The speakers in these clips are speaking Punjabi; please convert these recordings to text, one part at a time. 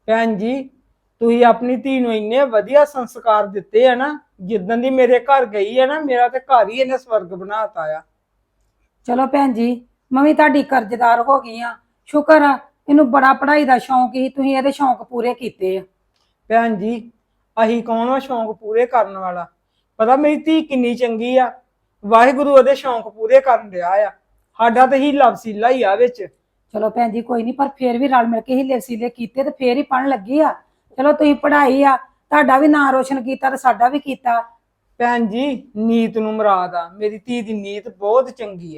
ਭੈਣ ਜੀ ਤੁਸੀਂ ਆਪਣੀ ਧੀ ਨੂੰ ਇੰਨੇ ਵਧੀਆ ਸੰਸਕਾਰ ਦਿੱਤੇ ਆ ਨਾ, ਜਿੱਦਣ ਦੀ ਮੇਰੇ ਘਰ ਗਈ ਹੈ ਨਾ, ਮੇਰਾ ਤੇ ਘਰ ਹੀ ਇਹਨੇ ਸਵਰਗ ਬਣਾਤਾ ਆ। ਚਲੋ ਭੈਣ ਜੀ, ਮੈਂ ਵੀ ਤੁਹਾਡੀ ਕਰਜ਼ਦਾਰ ਹੋ ਗਈ ਆ। ਸ਼ੁਕਰ ਆ, ਇਹਨੂੰ ਬੜਾ ਪੜ੍ਹਾਈ ਦਾ ਸ਼ੌਂਕ ਸੀ, ਤੁਸੀਂ ਇਹਦੇ ਸ਼ੌਂਕ ਪੂਰੇ ਕੀਤੇ ਆ। ਭੈਣ ਜੀ ਅਹੀਂ ਕੌਣ ਵਾ ਸ਼ੌਂਕ ਪੂਰੇ ਕਰਨ ਵਾਲਾ? ਪਤਾ ਮੇਰੀ ਧੀ ਕਿੰਨੀ ਚੰਗੀ ਆ, ਵਾਹਿਗੁਰੂ ਉਹਦੇ ਸ਼ੌਂਕ ਪੂਰੇ ਕਰਨ ਰਿਹਾ ਆ। ਸਾਡਾ ਤੇ ਹੀਲਾ ਵਸੀਲਾ ਹੀ ਆ ਵਿੱਚ। ਚਲੋ ਭੈਣ ਜੀ ਕੋਈ ਨਹੀਂ, ਪਰ ਫੇਰ ਵੀ ਰਲ ਮਿਲ ਕੇ ਹੀਲੇ ਵਸੀਲੇ ਕੀਤੇ ਤੇ ਫੇਰ ਹੀ ਪੜ੍ਹਨ ਲੱਗੀ ਆ। ਚਲੋ ਤੁਸੀਂ ਪੜ੍ਹਾਈ ਆ, ਤੁਹਾਡਾ ਵੀ ਨਾਂ ਰੋਸ਼ਨ ਕੀਤਾ ਤੇ ਸਾਡਾ ਵੀ ਕੀਤਾ। ਭੈਣ ਜੀ ਨੀਤ ਨੂੰ ਮੁਰਾਦ ਆ, ਮੇਰੀ ਧੀ ਦੀ ਨੀਤ ਬਹੁਤ ਚੰਗੀ ਆ।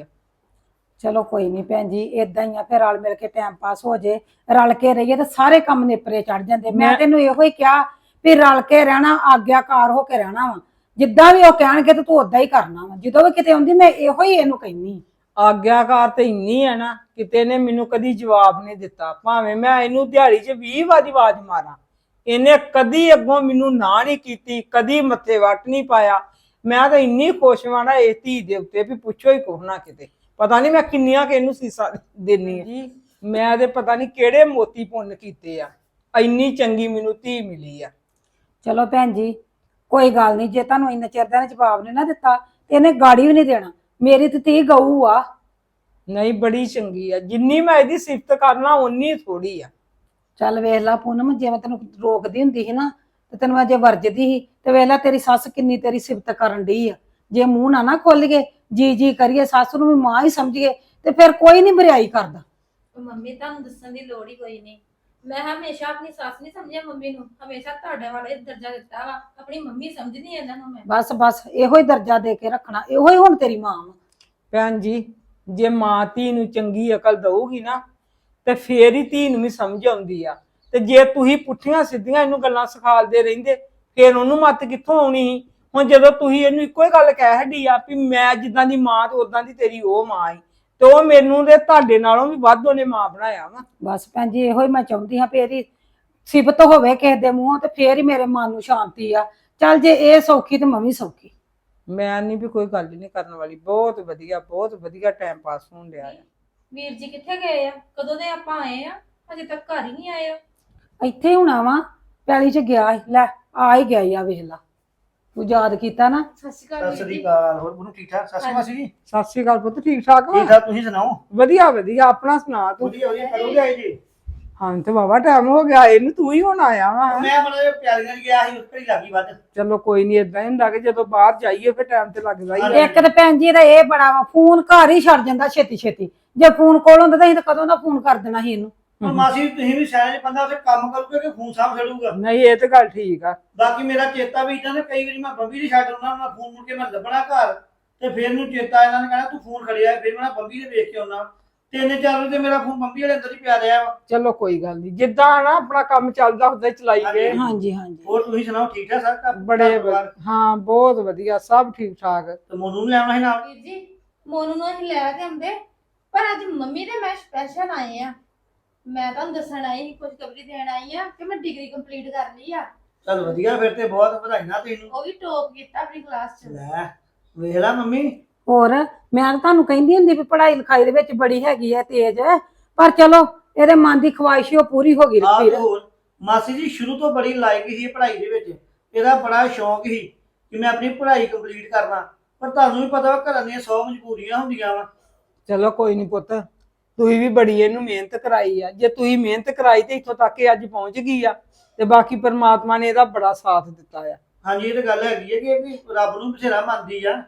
ਚਲੋ ਕੋਈ ਨਹੀਂ ਭੈਣ ਜੀ, ਏਦਾਂ ਹੀ ਆ, ਫਿਰ ਰਲ ਮਿਲ ਕੇ ਟਾਈਮ ਪਾਸ ਹੋ ਜੇ। ਰਲ ਕੇ ਰਹੀਏ ਤੇ ਸਾਰੇ ਕੰਮ ਨੇਪਰੇ ਚੜ ਜਾਂਦੇ। ਮੈਂ ਤੈਨੂੰ ਇਹੋ ਹੀ ਕਿਹਾ ਵੀ ਰਲ ਕੇ ਰਹਿਣਾ, ਆਗਿਆਕਾਰ ਹੋ ਕੇ ਰਹਿਣਾ ਵਾ। ਜਿੱਦਾਂ ਵੀ ਉਹ ਕਹਿਣਗੇ ਤੇ ਤੂੰ ਓਦਾਂ ਹੀ ਕਰਨਾ ਵਾ। ਜਦੋਂ ਵੀ ਕਿਤੇ ਆਉਂਦੀ ਮੈਂ ਇਹੋ ਹੀ ਇਹਨੂੰ ਕਹਿੰਨੀ। ਆਗਿਆਕਾਰ ਤੇ ਇੰਨੀ ਹੈ ਨਾ, ਕਿਤੇ ਨੇ ਮੈਨੂੰ ਕਦੀ ਜਵਾਬ ਨਹੀਂ ਦਿੱਤਾ। ਭਾਵੇਂ ਮੈਂ ਇਹਨੂੰ ਦਿਹਾੜੀ 'ਚ 20 ਵਾਰੀ ਆਵਾਜ਼ ਮਾਰਾਂ, ਇਹਨੇ ਕਦੀ ਅੱਗੋਂ ਮੈਨੂੰ ਨਾ ਨਹੀਂ ਕੀਤੀ, ਕਦੀ ਮੱਥੇ ਵੱਟ ਨਹੀਂ ਪਾਇਆ। ਮੈਂ ਤਾਂ ਇੰਨੀ ਖੁਸ਼ ਵਾਂ ਨਾ ਇਸ ਧੀ ਦੇ ਉੱਤੇ ਵੀ ਪੁੱਛੋ ਹੀ ਕੁਛ ਨਾ। ਕਿਤੇ ਪਤਾ ਨਹੀਂ ਮੈਂ ਕਿੰਨੀਆਂ ਕਿ ਇਹਨੂੰ ਸੀਸਾ ਦੇਣੀ ਜੀ। ਮੈਂ ਤੇ ਪਤਾ ਨਹੀਂ ਕਿਹੜੇ ਮੋਤੀ ਪੁੰਨ ਕੀਤੇ ਆ, ਇੰਨੀ ਚੰਗੀ ਮੈਨੂੰ ਧੀ ਮਿਲੀ ਆ। ਚਲੋ ਭੈਣ ਜੀ ਕੋਈ ਗੱਲ ਨਹੀਂ, ਜੇ ਤੁਹਾਨੂੰ ਇੰਨੇ ਚਿਰ ਦਾ ਜਵਾਬ ਨਹੀਂ ਨਾ ਦਿੱਤਾ ਤੇ ਇਹਨੇ ਗਾੜੀ ਵੀ ਨਹੀਂ ਦੇਣਾ। ਮੇਰੀ ਤੇ ਧੀ ਗਊ ਆ। ਨਹੀਂ ਬੜੀ ਚੰਗੀ ਆ, ਜਿੰਨੀ ਮੈਂ ਇਹਦੀ ਸਿਫਤ ਕਰਨਾ ਓਨੀ ਥੋੜੀ ਆ। ਚੱਲ ਵੇਖ ਲਾ ਪੂਨਮ, ਜੇ ਮੈਂ ਤੈਨੂੰ ਰੋਕਦੀ ਹੁੰਦੀ ਸੀ ਨਾ ਤੇ ਤੈਨੂੰ ਅਜੇ ਵਰਜਦੀ ਸੀ, ਤੇ ਵੇਖ ਲਾ ਤੇਰੀ ਸੱਸ ਕਿੰਨੀ ਤੇਰੀ ਸਿਫਤ ਕਰਨ ਡਈ ਆ। ਜੇ ਮੂੰਹ ਨਾ ਖੋਲੀਏ, ਜੀ ਜੀ ਕਰੀਏ, ਸੱਸ ਨੂੰ ਵੀ ਮਾਂ ਹੀ ਸਮਝੀਏ, ਤੇ ਫਿਰ ਕੋਈ ਨਹੀਂ ਬਰਿਆਈ ਕਰਦਾ। ਮੰਮੀ ਤੁਹਾਨੂੰ ਦੱਸਣ ਦੀ ਲੋੜ ਹੀ ਕੋਈ ਨਹੀਂ। ਮੈਂ ਹਮੇਸ਼ਾ ਆਪਣੀ ਸੱਸ ਨਹੀਂ ਸਮਝਿਆ ਮੰਮੀ ਨੂੰ, ਹਮੇਸ਼ਾ ਤੁਹਾਡੇ ਵਾਲੇ ਦਰਜਾ ਦਿੱਤਾ ਵਾ। ਆਪਣੀ ਮੰਮੀ ਸਮਝਦੀ ਐ ਇਹਨਾਂ ਨੂੰ ਮੈਂ। ਬਸ ਬਸ ਇਹੋ ਹੀ ਦਰਜਾ ਦੇ ਕੇ ਰੱਖਣਾ, ਇਹੋ ਹੀ ਹੁਣ ਤੇਰੀ ਮਾਂ ਵਾ। ਭੈਣ ਜੀ ਜੇ ਮਾਂ ਧੀ ਨੂੰ ਚੰਗੀ ਅਕਲ ਦਊਗੀ ਨਾ ਤੇ ਫੇਰ ਹੀ ਧੀ ਨੂੰ ਵੀ ਸਮਝ ਆਉਂਦੀ ਆ। ਤੇ ਜੇ ਤੁਸੀਂ ਪੁੱਠੀਆਂ ਸਿੱਧੀਆਂ ਇਹਨੂੰ ਗੱਲਾਂ ਸਿਖਾਲਦੇ ਰਹਿੰਦੇ, ਫੇਰ ਉਹਨੂੰ ਮੱਤ ਕਿੱਥੋਂ ਆਉਣੀ ਸੀ? ਹੁਣ ਜਦੋਂ ਤੁਸੀਂ ਇਹਨੂੰ ਇੱਕੋ ਹੀ ਗੱਲ ਕਹਿ ਹੱਡੀ ਆ ਵੀ ਮੈਂ ਜਿੱਦਾਂ ਦੀ ਮਾਂ ਤੇ ਉਦਾਂ ਦੀ ਤੇਰੀ ਉਹ ਮਾਂ ਈ, ਤੇ ਉਹ ਮੈਨੂੰ ਤੇ ਤੁਹਾਡੇ ਨਾਲੋਂ ਵੀ ਵੱਧ ਉਹਨੇ ਮਾਂ ਬਣਾਇਆ ਵਾ। ਬਸ ਭੈਣ ਜੀ ਇਹੋ ਹੀ ਮੈਂ ਚਾਹੁੰਦੀ ਹਾਂ ਵੀ ਇਹਦੀ ਸਿਫਤ ਹੋਵੇ ਕਿਸੇ ਦੇ ਮੂੰਹੋਂ, ਤੇ ਫੇਰ ਹੀ ਮੇਰੇ ਮਨ ਨੂੰ ਸ਼ਾਂਤੀ ਆ। ਚੱਲ ਜੇ ਇਹ ਸੌਖੀ ਤੇ ਮੈਂ ਵੀ ਸੌਖੀ। ਮੈਂ ਨਹੀਂ ਵੀ ਕੋਈ ਗੱਲ ਨਹੀਂ ਕਰਨ ਵਾਲੀ, ਬਹੁਤ ਵਧੀਆ ਟਾਈਮ ਪਾਸ ਹੋਣ ਡਿਆ ਆ। ਵੀਰ ਜੀ ਕਿੱਥੇ ਗਏ ਆ? ਕਦੋਂ ਦੇ ਆਪਾਂ ਆਏ ਆ, ਅਜੇ ਤੱਕ ਘਰ ਹੀ ਨਹੀਂ ਆਏ ਆ। ਇੱਥੇ ਹੁਣਾ ਵਾ, ਪੈਲੀ ਚ ਗਿਆ ਸੀ। ਲੈ ਆ ਹੀ ਗਿਆ ਈ ਆ, ਵੇਖ ਲਾ ਤੂੰ ਯਾਦ ਕੀਤਾ ਨਾ। ਸਤਿ ਸ਼੍ਰੀ ਅਕਾਲ ਸਤਿ ਵੀਰ ਸ੍ਰੀ ਜੀ। ਅਕਾਲ। ਹੋਰ bunu ਠੀਕ ਠਾਕ? ਸਤਿ ਸ਼੍ਰੀ ਅਕਾਲ ਮਾਸੀ ਜੀ। ਸਤਿ ਸ਼੍ਰੀ ਅਕਾਲ ਪੁੱਤ, ਠੀਕ ਠਾਕ ਵਾ? ਠੀਕ ਠਾਕ, ਤੁਸੀਂ ਸੁਣਾਓ? ਵਧੀਆ ਆਪਣਾ ਸੁਣਾ ਤੂੰ? ਵਧੀਆ ਵਧੀਆ। ਕਦੋਂ ਦੇ ਆਏ ਜੀ? ਹਾਂ ਤੇ ਬਾਬਾ ਟਾਈਮ ਹੋ ਗਿਆ ਇਹਨੂੰ, ਤੂੰ ਹੀ ਹੁਣ ਆਇਆ ਵਾ। ਮੈਂ ਮਤਲਬ ਪਿਆਰੀਆਂ ਚ ਗਿਆ ਸੀ, ਉੱਪਰ ਹੀ ਲੱਗੀ ਵੱਧ। ਚਲੋ ਕੋਈ ਨਹੀਂ, ਏਦਾਂ ਹੀ ਹੁੰਦਾ ਕਿ ਜਦੋਂ ਬਾਹਰ ਜਾਈਏ ਫਿਰ ਟਾਈਮ ਤੇ ਲੱਗਦਾ ਹੀ ਆ। ਇੱਕ ਤੇ ਭੈਣ ਜੀ ਇਹਦਾ ਇਹ ਬੜਾ ਵਾ, ਫੋਨ ਘਰ ਹੀ ਛੱਡ ਜਾਂਦਾ ਛੇਤੀ ਛੇਤੀ। ਜੇ ਫੋਨ ਕੋਲ ਹੁੰਦਾ ਤਾਂ ਅਸੀਂ ਤਾਂ ਕਦੋਂ ਦਾ ਫੋਨ ਕਰ ਦੇਣਾ ਸੀ ਇਹਨੂੰ। ਹੁਣ ਮਾਸੀ ਤੁਸੀਂ ਵੀ ਸਿਆਣੇ ਬੰਦਾ, ਉੱਥੇ ਕੰਮ ਕਰੂਗੇ ਕਿ ਫੋਨ ਸਾਂਭ ਛੱਡੂਗਾ? ਨਹੀਂ ਇਹ ਤੇ ਗੱਲ ਠੀਕ ਆ। ਬਾਕੀ ਮੇਰਾ ਚੇਤਾ ਵੀ ਇਦਾਂ ਨੇ, ਕਈ ਵਾਰੀ ਮੈਂ ਬੰਬੀ ਨਹੀਂ ਛੱਡ ਆਉਣਾ, ਮੈਂ ਫੋਨ ਮੁੜ ਕੇ ਮੈਂ ਲੱਭਣਾ ਘਰ, ਤੇ ਫਿਰ ਮੈਨੂੰ ਚੇਤਾ ਇਹਨਾਂ ਨੇ ਕਹਿਣਾ ਤੂੰ ਫੋਨ ਖੜਿਆ, ਫਿਰ ਮੈਂ ਬੰਬੀ ਨੇ ਵੇਖ ਕੇ ਆਉਣਾ। 3-4 ਵਜੇ ਤੇ ਮੇਰਾ ਫੋਨ ਬੰਬੀ ਵਾਲੇ ਅੰਦਰ ਹੀ ਪਿਆ ਰਿਹਾ ਵਾ। ਚਲੋ ਕੋਈ ਗੱਲ ਨਹੀਂ, ਜਿੱਦਾਂ ਨਾ ਆਪਣਾ ਕੰਮ ਚੱਲਦਾ ਹੁੰਦਾ ਚਲਾਈ ਗਏ। ਹਾਂਜੀ ਹਾਂਜੀ। ਹੋਰ ਤੁਸੀਂ ਸੁਣਾਓ, ਠੀਕ ਠਾਕ ਸਰ? ਬੜੇ ਹਾਂ ਬਹੁਤ ਵਧੀਆ, ਸਭ ਠੀਕ ਠਾਕ। ਤੇ ਮੋਨੂ ਨੂੰ ਲਿਆਉਣਾ ਸੀ ਨਾਲ? ਵੀਰ ਜੀ ਮੋਨੂ ਨੂੰ ਅਸੀਂ ਲੈ ਕੇ ਆਉਂਦੇ, ਪਰ ਅੱਜ ਮੰਮੀ ਤੇ ਮੈਂ ਸਪੈਸ਼ਲ ਆਏ ਆ। ਮੈਂ ਤੁਹਾਨੂੰ ਦੱਸਣ ਆਈ ਸੀ, ਖੁਸ਼ਖਬਰੀ ਦੇਣ ਆਈ ਆ ਕਿ ਮੈਂ ਡਿਗਰੀ ਕੰਪਲੀਟ ਕਰ ਲਈ ਆ। ਚਲ ਵਧੀਆ, ਫਿਰ ਤੇ ਬਹੁਤ ਵਧਾਈਆਂ ਤੈਨੂੰ। ਉਹ ਵੀ ਟੌਪ ਕੀਤਾ ਆਪਣੀ ਕਲਾਸ 'ਚ। ਲੈ ਵੇਖ ਲਾ ਮੰਮੀ। ਹੋਰ ਮੈਂ ਤਾਂ ਤੁਹਾਨੂੰ ਕਹਿੰਦੀ ਹੁੰਦੀ ਵੀ ਪੜ੍ਹਾਈ ਲਿਖਾਈ ਦੇ ਵਿੱਚ ਬੜੀ ਹੈਗੀ ਹੈ ਤੇਜ਼, ਪਰ ਚਲੋ ਇਹਦੇ ਮਨ ਦੀ ਖਵਾਇਸ਼ ਉਹ ਪੂਰੀ ਹੋ ਗਈ। ਆਹ ਤੇ ਹੋਰ ਮਾਸੀ ਜੀ ਸ਼ੁਰੂ ਤੋਂ ਬੜੀ ਲਾਇਕ ਸੀ ਪੜ੍ਹਾਈ ਦੇ ਵਿੱਚ, ਇਹਦਾ ਬੜਾ ਸ਼ੌਂਕ ਸੀ ਕਿ ਮੈਂ ਆਪਣੀ ਪੜ੍ਹਾਈ ਕੰਪਲੀਟ ਕਰਨਾ। ਪਰ ਤੁਹਾਨੂੰ ਵੀ ਪਤਾ ਵਾ ਘਰਾਂ ਦੀਆਂ 100 ਮਜਬੂਰੀਆਂ ਹੁੰਦੀਆਂ ਵਾ। ਚਲੋ ਕੋਈ ਨਹੀਂ ਪੁੱਤ, ਤੁਸੀਂ ਵੀ ਬੜੀ ਇਹਨੂੰ ਮਿਹਨਤ ਕਰਾਈ ਆ। ਜੇ ਤੁਸੀਂ ਮਿਹਨਤ ਕਰਾਈ ਤੇ ਇੱਥੋਂ ਤੱਕ ਇਹ ਅੱਜ ਪਹੁੰਚ ਗਈ ਆ, ਤੇ ਬਾਕੀ ਪਰਮਾਤਮਾ ਨੇ ਇਹਦਾ ਬੜਾ ਸਾਥ ਦਿੱਤਾ ਆ। ਹਾਂਜੀ ਇਹ ਤਾਂ ਗੱਲ ਹੈਗੀ ਹੈ ਕਿ ਇਹ ਵੀ ਰੱਬ ਨੂੰ ਬਥੇਰਾ ਮੰਨਦੀ ਆ।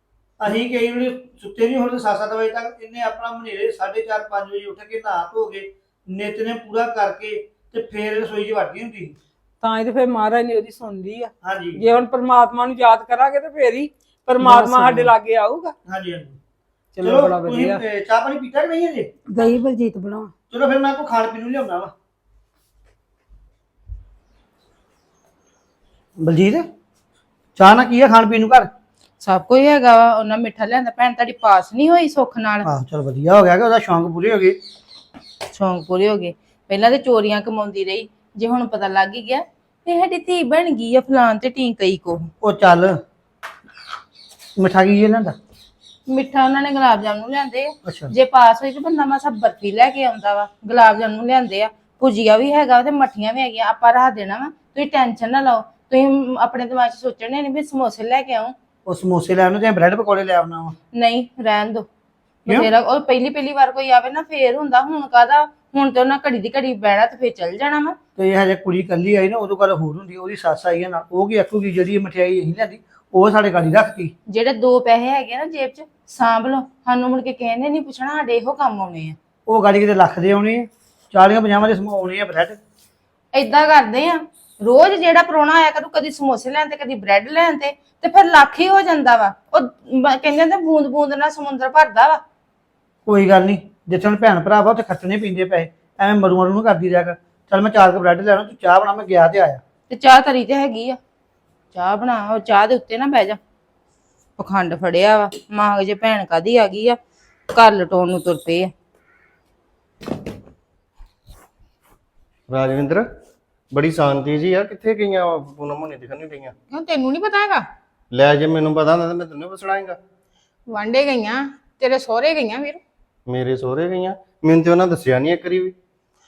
ਅਸੀਂ ਕਈ ਵਾਰੀ ਸੁੱਤੇ ਨਹੀਂ ਹੁੰਦੇ 7-7 ਵਜੇ ਤੱਕ, ਇਹਨੇ ਆਪਣਾ ਮਨੇਰੇ 4:30-5 ਵਜੇ ਉੱਠ ਕੇ ਨਹਾ ਧੋ ਕੇ ਨਿੱਤ ਨੇ ਪੂਰਾ ਕਰਕੇ ਤੇ ਫੇਰ ਰਸੋਈ 'ਚ ਵੜਦੀ ਹੁੰਦੀ ਸੀ। ਤਾਂ ਹੀ ਤੇ ਫਿਰ ਮਹਾਰਾਜ ਨੇ ਉਹਦੀ ਸੁਣਦੀ ਆ। ਹਾਂਜੀ ਜੇ ਹੁਣ ਪਰਮਾਤਮਾ ਨੂੰ ਯਾਦ ਕਰਾਂਗੇ ਤੇ ਫੇਰ ਹੀ ਪਰਮਾਤਮਾ ਸਾਡੇ ਲਾਗੇ ਆਊਗਾ। ਹਾਂਜੀ ਹਾਂਜੀ। ਚਲੋ ਬੜਾ ਤੁਸੀਂ ਵਧੀਆ। ਚਾਹ ਪਾਣੀ ਪੀਤਾ ਕਿ ਨਹੀਂ ਅਜੇ? ਗਈ ਬਲਜੀਤ ਬਣਾਉਣ। ਚਲੋ ਫਿਰ ਮੈਂ ਕੋਈ ਖਾਣ ਪੀਣ ਨੂੰ ਲਿਆਉਣਾ ਵਾ। ਬਲਜੀਤ ਚਾਹ ਨਾ ਕੀ ਆ ਖਾਣ ਪੀਣ ਨੂੰ ਘਰ? ਸਭ ਕੁਝ ਹੈਗਾ ਵਾ। ਉਹਨਾਂ ਮਿੱਠਾ ਲਿਆਂਦਾ, ਭੈਣ ਤੁਹਾਡੀ ਪਾਸ ਨਹੀਂ ਹੋਈ ਸੁੱਖ ਨਾਲ। ਆਹ ਚਲ ਵਧੀਆ ਹੋ ਗਿਆ ਕਿ ਉਹਦਾ ਸ਼ੌਂਕ ਪੂਰੇ ਹੋ ਗਏ। ਸ਼ੌਂਕ ਪੂਰੇ ਹੋ ਗਏ। ਪਹਿਲਾਂ ਤੇ ਚੋਰੀਆਂ ਕਮਾਉਂਦੀ ਰਹੀ, ਜੇ ਹੁਣ ਪਤਾ ਲੱਗ ਹੀ ਗਿਆ ਤੇ ਸਾਡੀ ਧੀ ਬਣ ਗਈ ਆ ਫਲਾਨ ਤੇ ਟੀ ਕਈ ਕੋ। ਉਹ ਚੱਲ ਮਿਠਾ ਕੀ ਇਹਨਾਂ ਦਾ? ਮਿੱਠਾ ਉਹਨਾਂ ਨੇ ਗੁਲਾਬ ਜਾਮੁਨ ਲਿਆਂਦੇ ਆ। ਅੱਛਾ ਜੇ ਪਾਸ ਹੋਈ ਤੇ ਬੰਦਾ ਮਾਸਾ ਬਰਫੀ ਲੈ ਕੇ ਆਉਂਦਾ ਵਾ। ਗੁਲਾਬ ਜਾਮੁਨ ਲਿਆਂਦੇ ਆ, ਭੁਜੀਆ ਵੀ ਹੈਗਾ ਤੇ ਮੱਠੀਆਂ ਵੀ ਹੈਗੀਆਂ, ਆਪਾਂ ਰੱਖ ਦੇਣਾ ਵਾ। ਤੁਸੀਂ ਟੈਨਸ਼ਨ ਨਾ ਲਓ, ਤੁਸੀਂ ਆਪਣੇ ਦਿਮਾਗ 'ਚ ਸੋਚਣੇ ਨਹੀਂ ਵੀ ਸਮੋਸੇ ਲੈ ਕੇ ਆਉਂ। ਉਹ ਸਮੋਸੇ ਲੈ ਆਉਣਾ ਜਾਂ ਬ੍ਰੈਡ ਪਕੌੜੇ ਲੈ ਆਉਣਾ ਵਾ? ਨਹੀਂ ਰਹਿਣ ਦੋ, ਬਥੇਰਾ। ਉਹ ਪਹਿਲੀ ਵਾਰ ਕੋਈ ਆਵੇ ਨਾ ਫੇਰ ਹੁੰਦਾ, ਹੁਣ ਕਾਹਦਾ, ਹੁਣ ਤੇ ਉਹਨਾਂ ਘੜੀ ਦੀ ਘੜੀ ਬਹਿਣਾ ਤੇ ਫੇਰ ਚੱਲ ਜਾਣਾ ਵਾ। ਤੇ ਇਹ ਹਜੇ ਕੁੜੀ ਕੱਲੀ ਆਈ ਨਾ, ਉਦੋਂ ਗੱਲ ਹੋਰ ਹੁੰਦੀ, ਉਹਦੀ ਸੱਸ ਆਈ ਆ ਨਾਲ, ਉਹ ਕੀ ਆਖੂਗੀ ਜਿਹੜੀ ਇਹ ਮਠਿਆਈ ਅਸੀਂ ਲਿਆਂਦੀ ਉਹ ਸਾਡੇ ਗਾੜੀ ਰੱਖਤੀ। ਜਿਹੜੇ 2 ਪੈਸੇ ਹੈਗੇ ਨਾ ਜੇਬ 'ਚ ਸਾਂਭ ਲਓ, ਸਾਨੂੰ ਮੁੜ ਕੇ ਕਹਿੰਦੇ ਨਹੀਂ ਪੁੱਛਣਾ, ਸਾਡੇ ਇਹੋ ਕੰਮ ਆਉਣੇ ਆ। ਉਹ ਗਾੜੀ ਕਿਤੇ ਲੱਖ ਦੇ ਆਉਣੇ ਆ, 40-50 ਦੇ ਆਉਣੇ ਆ ਬ੍ਰੈਡ। ਏਦਾਂ ਕਰਦੇ ਆ, ਰੋਜ਼ ਜਿਹੜਾ ਪ੍ਰਾਹੁਣਾ ਆਇਆ ਕਰੂ, ਕਦੀ ਸਮੋਸੇ ਲੈਣ ਤੇ ਕਦੀ ਬ੍ਰੈਡ ਲੈਣ ਤੇ ਫਿਰ ਲੱਖ ਹੀ ਹੋ ਜਾਂਦਾ ਵਾ। ਉਹ ਕਹਿੰਦੇ ਨੇ ਬੂੰਦ ਬੂੰਦ ਨਾਲ ਸਮੁੰਦਰ ਭਰਦਾ ਵਾ। ਕੋਈ ਗੱਲ ਨਹੀਂ, ਜਿੱਥੇ ਹੁਣ ਭੈਣ ਭਰਾ ਵਾ ਉੱਥੇ ਖਰਚਣੇ ਪੈਂਦੇ ਪੈਸੇ, ਐਵੇਂ ਮਰੂ ਨੂੰ ਕਰਦੀ ਰਿਹਾ ਕਰ। ਚੱਲ ਮੈਂ 4 ਬ੍ਰੈਡ ਲੈਣਾ, ਤੂੰ ਚਾਹ ਬਣਾ, ਮੈਂ ਗਿਆ ਤੇ ਆਇਆ। ਤੇ ਚਾਹ ਤਰੀ ਤੇ ਹੈਗੀ ਆ, ਚਾਹ ਬਣਾ। ਉਹ ਚਾਹ ਦੇ ਉੱਤੇ ਨਾ ਬਹਿ ਜਾ, ਪਖੰਡ ਫੜਿਆ ਵਾ। ਮਾਂ ਜੇ ਭੈਣ ਕਾਦੀ ਆ ਗਈ ਆ, ਘਰ ਲਟਾਉਣ ਨੂੰ ਤੁਰ ਪਏ ਆ। ਰਾਜਵਿੰਦਰ, ਬੜੀ ਸ਼ਾਂਤੀ ਜੀ ਆ, ਕਿੱਥੇ ਗਈਆਂ ਪੂਨਮ ਹੋਣੀ ਦਿਖਣ ਨਹੀਂ ਰਹੀਆਂ? ਕਿਉਂ ਤੈਨੂੰ ਨਹੀਂ ਪਤਾ ਹੈਗਾ? ਲੈ ਜੇ ਮੈਨੂੰ ਪਤਾ ਹੁੰਦਾ ਤਾਂ ਮੈਂ ਤੈਨੂੰ ਪੁੱਛਣਾਂਗਾ। ਵਾਂਡੇ ਗਈਆਂ, ਤੇਰੇ ਸਹੁਰੇ ਗਈਆਂ ਵੀਰ। ਮੇਰੇ ਸਹੁਰੇ ਗਈਆਂ? ਮੈਨੂੰ ਤੇ ਉਹਨਾਂ ਦੱਸਿਆ ਨਹੀਂ ਇੱਕ ਵਾਰੀ ਵੀ।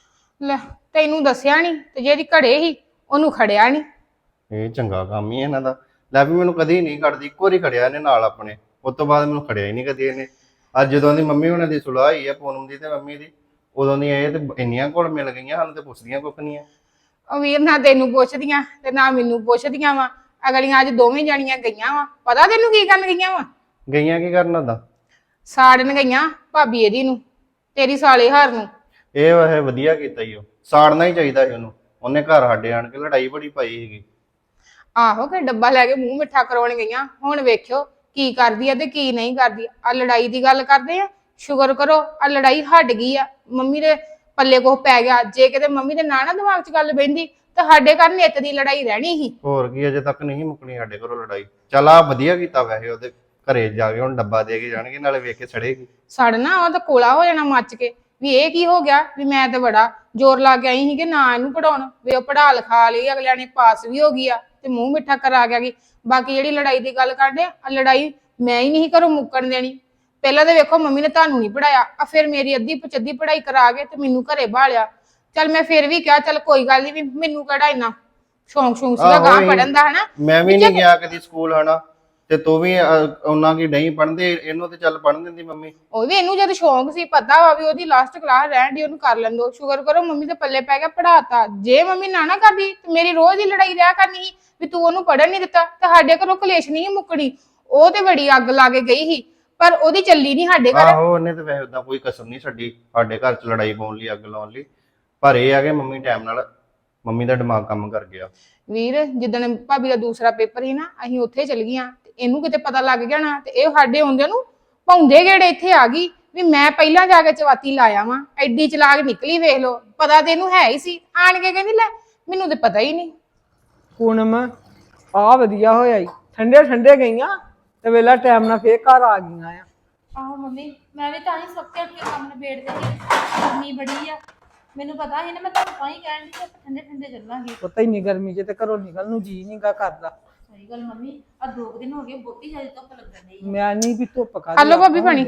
ਲੈ ਤੈਨੂੰ ਦੱਸਿਆ ਨਹੀਂ ਤੇ ਜਿਹੜੀ ਘੜੇ ਸੀ ਉਹਨੂੰ ਖੜਿਆ ਨਹੀਂ। ਇਹ ਚੰਗਾ ਕੰਮ ਹੀ ਹੈ ਇਹਨਾਂ ਦਾ। ਲੈ ਵੀ ਮੈਨੂੰ ਕਦੀ ਨਹੀਂ ਕੱਢਦੀ, ਇੱਕੋ ਵਾਰੀ ਖੜਿਆ ਇਹਨੇ ਨਾਲ ਆਪਣੇ, ਉਸ ਤੋਂ ਬਾਅਦ ਮੈਨੂੰ ਖੜਿਆ ਹੀ ਨਹੀਂ ਕਦੀ ਇਹਨੇ। ਅੱਜ ਜਦੋਂ ਦੀ ਮੰਮੀ ਉਹਨਾਂ ਦੀ ਸੁਲਾਹ ਹੋਈ ਹੈ, ਪੂਨਮ ਦੀ ਤੇ ਮੰਮੀ ਦੀ, ਉਦੋਂ ਦੀ ਇਹ ਤੇ ਇੰਨੀਆਂ ਕੋਲ ਮਿਲ ਗਈਆਂ, ਸਾਨੂੰ ਤੇ ਪੁੱਛਦੀਆਂ ਕੁੱਖ ਨਹੀਂ ਆ। ਉਹ ਵੀਰ ਨਾ ਤੈਨੂੰ ਪੁੱਛਦੀਆਂ ਤੇ ਨਾ ਮੈਨੂੰ ਪੁੱਛਦੀਆਂ ਵਾ। ਅਗਲੀਆਂ ਅੱਜ ਦੋਵੇਂ ਜਾਣੀਆਂ ਗਈਆਂ ਵਾ। ਪਤਾ ਤੈਨੂੰ ਕੀ ਕਰਨ ਗਈਆਂ ਵਾ? ਗਈਆਂ ਕੀ ਕਰਨ ਉਹਦਾ? ਸਾੜਨ ਗਈਆਂ ਭਾਬੀ ਇਹਦੀ ਨੂੰ, ਤੇਰੀ ਸਾਲੇ ਹਾਰ ਨੂੰ। ਇਹ ਵੈਸੇ ਵਧੀਆ ਕੀਤਾ ਹੀ, ਉਹ ਸਾੜਨਾ ਹੀ ਚਾਹੀਦਾ ਸੀ ਉਹਨੂੰ। ਉਹਨੇ ਘਰ ਸਾਡੇ ਆਣ ਕੇ ਲੜਾਈ ਬੜੀ ਪਾਈ ਸੀਗੀ। ਆਹੋ ਕਿ ਡੱਬਾ ਲੈ ਕੇ ਮੂੰਹ ਮਿੱਠਾ ਕਰਾਉਣ ਗਈਆਂ। ਹੁਣ ਵੇਖਿਓ ਕੀ ਕਰਦੀ ਆ ਤੇ ਕੀ ਨਹੀਂ ਕਰਦੀ। ਆ ਲੜਾਈ ਦੀ ਗੱਲ ਕਰਦੇ ਆ, ਸ਼ੁਕਰ ਕਰੋ ਆ ਲੜਾਈ ਹਟ ਗਈ ਆ। ਮੰਮੀ ਦੇ ਪੱਲੇ ਕੋਹ ਪੈ ਗਿਆ। ਜੇ ਕਿਤੇ ਮੰਮੀ ਦੇ ਨਾ ਦਿਮਾਗ 'ਚ ਗੱਲ ਬਹਿੰਦੀ ਤਾਂ ਸਾਡੇ ਘਰ ਨਿੱਤ ਦੀ ਲੜਾਈ ਰਹਿਣੀ ਸੀ। ਹੋਰ ਕੀ, ਅਜੇ ਤੱਕ ਨਹੀਂ ਮੁੱਕਣੀ ਸਾਡੇ ਘਰੋਂ ਲੜਾਈ। ਚੱਲ ਆ ਵਧੀਆ ਕੀਤਾ ਵੈਸੇ, ਉਹਦੇ ਘਰੇ ਜਾ ਕੇ ਹੁਣ ਡੱਬਾ ਦੇ ਕੇ ਜਾਣਗੇ, ਨਾਲੇ ਵੇਖ ਕੇ ਸੜੇਗੀ। ਸੜਨਾ ਉਹ ਤਾਂ ਕੋਲਾ ਹੋ ਜਾਣਾ ਮੱਚ ਕੇ ਵੀ ਇਹ ਕੀ ਹੋ ਗਿਆ। ਵੀ ਮੈਂ ਤਾਂ ਬੜਾ ਜ਼ੋਰ ਲਾ ਕੇ ਆਈ ਸੀ ਕਿ ਨਾ ਇਹਨੂੰ ਪੜਾਉਣ, ਵੀ ਉਹ ਪੜਾ ਲਿਖਾ ਲਈ, ਅਗਲਿਆਂ ਨੇ ਪਾਸ ਵੀ ਹੋ ਗਈ ਆ ਤੇ ਮੂੰਹ ਮਿੱਠਾ ਕਰਾ ਗਿਆ ਗਈ। ਬਾਕੀ ਜਿਹੜੀ ਲੜਾਈ ਦੀ ਗੱਲ ਕਰਦੇ ਆ, ਲੜਾਈ ਮੈਂ ਹੀ ਨਹੀਂ ਘਰੋਂ ਮੁੱਕਣ ਦੇਣੀ। ਪਹਿਲਾਂ ਤਾਂ ਵੇਖੋ ਮੰਮੀ ਨੇ ਤੁਹਾਨੂੰ ਨਹੀਂ ਪੜਾਇਆ, ਆ ਫਿਰ ਮੇਰੀ ਅੱਧੀ ਪਚੱਧੀ ਪੜਾਈ ਕਰਾ ਕੇ ਤੇ ਮੈਨੂੰ ਘਰੇ ਬਾਲਿਆ। ਚੱਲ ਮੈਂ ਫਿਰ ਵੀ ਕਿਹਾ ਚੱਲ ਕੋਈ ਗੱਲ ਨਹੀਂ, ਵੀ ਮੈਨੂੰ ਕਿਹੜਾ ਇੰਨਾ ਸ਼ੌਂਕ ਸੀਗਾ ਗਾਂ ਪੜਨ ਦਾ, ਹਨਾ। ਮੈਂ ਵੀ ਨਹੀਂ ਗਿਆ ਕਦੀ ਸਕੂਲ, ਹਨਾ, ਤੇ ਤੂੰ ਵੀ ਉਹਨਾਂ ਕੀ ਨਹੀਂ ਪੜ੍ਹਦੇ, ਇਹਨੂੰ ਤੇ ਚੱਲ ਪੜ੍ਹਨ ਦਿੰਦੀ ਮੰਮੀ। ਉਹ ਵੀ ਇਹਨੂੰ ਜਦ ਸ਼ੌਂਕ ਸੀ, ਪਤਾ ਵਾ ਵੀ ਉਹਦੀ ਲਾਸਟ ਕਲਾਸ ਰਹਿਣ ਦੀ, ਉਹਨੂੰ ਕਰ ਲੈਣ ਦੋ। ਸ਼ੁਕਰ ਕਰੋ ਮੰਮੀ ਦੇ ਪੱਲੇ ਪੈ ਗਿਆ, ਪੜਾਤਾ। ਜੇ ਮੰਮੀ ਨਾ ਕਰਦੀ ਤੇ ਮੇਰੀ ਰੋਜ਼ ਹੀ ਲੜਾਈ ਰਿਹਾ ਕਰਨੀ ਸੀ ਵੀ ਤੂੰ ਉਹਨੂੰ ਪੜਨ ਨਹੀਂ ਦਿੱਤਾ, ਤੇ ਸਾਡੇ ਘਰੋਂ ਕਲੇਸ਼ ਨਹੀਂ ਮੁੱਕਣੀ। ਉਹ ਤੇ ਬੜੀ ਅੱਗ ਲਾ ਕੇ ਗਈ ਸੀ, ਪਰ ਉਹਦੀ ਚੱਲੀ ਨਹੀਂ ਸਾਡੇ ਘਰ। ਆਹੋ, ਉਹਨੇ ਤੇ ਵੈਸੇ ਉਦਾਂ ਕੋਈ ਕਸਰ ਨਹੀਂ ਛੱਡੀ ਸਾਡੇ ਘਰ 'ਚ ਲੜਾਈ ਪਾਉਣ ਲਈ, ਅੱਗ ਲਾਉਣ ਲਈ। ਪਰ ਇਹ ਆ ਕਿ ਮੰਮੀ ਟਾਈਮ ਨਾਲ, ਮੰਮੀ ਦਾ ਦਿਮਾਗ ਕੰਮ ਕਰ ਗਿਆ। ਵੀਰ ਜਿੱਦਣ ਭਾਬੀ ਦਾ ਦੂਸਰਾ ਪੇਪਰ ਸੀ ਨਾ, ਅਸੀਂ ਉੱਥੇ ਚਲ ਗਈਆਂ ਤੇ ਇਹਨੂੰ ਕਿਤੇ ਪਤਾ ਲੱਗ ਗਿਆ ਨਾ, ਤੇ ਇਹ ਸਾਡੇ ਆਉਂਦੇ ਨੂੰ ਭੌਂਦੇ ਗੇੜੇ ਇੱਥੇ ਆ ਗਈ ਵੀ ਮੈਂ ਪਹਿਲਾਂ ਜਾ ਕੇ ਚਵਾਤੀ ਲਾਇਆ ਵਾਂ। ਐਡੀ ਚਲਾਕ ਨਿਕਲੀ, ਵੇਖ ਲੋ। ਪਤਾ ਤੇ ਇਹਨੂੰ ਹੈ ਹੀ ਸੀ। ਆਣ ਕੇ ਕਹਿੰਦੀ ਲੈ ਮੈਨੂੰ ਤੇ ਪਤਾ ਹੀ ਨਹੀਂ। ਪੂਨਮ ਆ ਵਧੀਆ ਹੋਇਆ ਈ, ਠੰਡੇ ਠੰਡੇ ਗਈਆਂ ਤੇ ਵੇਲਾ ਟਾਈਮ ਨਾਲ ਫੇਰ ਘਰ ਆ ਗਈਆਂ ਆ। ਆਹੋ ਮੰਮੀ, ਮੈਂ ਵੀ ਤਾਂ ਹੀ ਸੱਤੇ ਉੱਠ ਕੇ ਕੰਮ ਨਿਬੇੜਦੇ ਸੀ। ਗਰਮੀ ਬੜੀ ਆ, ਮੈਨੂੰ ਪਤਾ ਸੀ ਨਾ, ਮੈਂ ਤੁਹਾਨੂੰ ਤਾਂ ਹੀ ਕਹਿਣ ਦੀ ਕਿ ਆਪਾਂ ਠੰਡੇ ਠੰਡੇ ਚੱਲਾਂਗੇ। ਪਤਾ ਹੀ ਨਹੀਂ ਗਰਮੀ 'ਚ ਤੇ ਘਰੋਂ ਨਿਕਲ ਨੂੰ ਜੀ ਨੀ ਗਾ ਕਰਦਾ। ਸਹੀ ਗੱਲ ਮੰਮੀ, ਆ 2 ਦਿਨ ਹੋ ਗਏ ਬਹੁਤੀ ਜ਼ਿਆਦਾ ਧੁੱਪ ਲੱਗਣ ਡਈ। ਮੈਂ ਨਹੀਂ ਵੀ ਧੁੱਪ ਕਰ ਹਲੋ ਭਾਬੀ ਪਾਣੀ।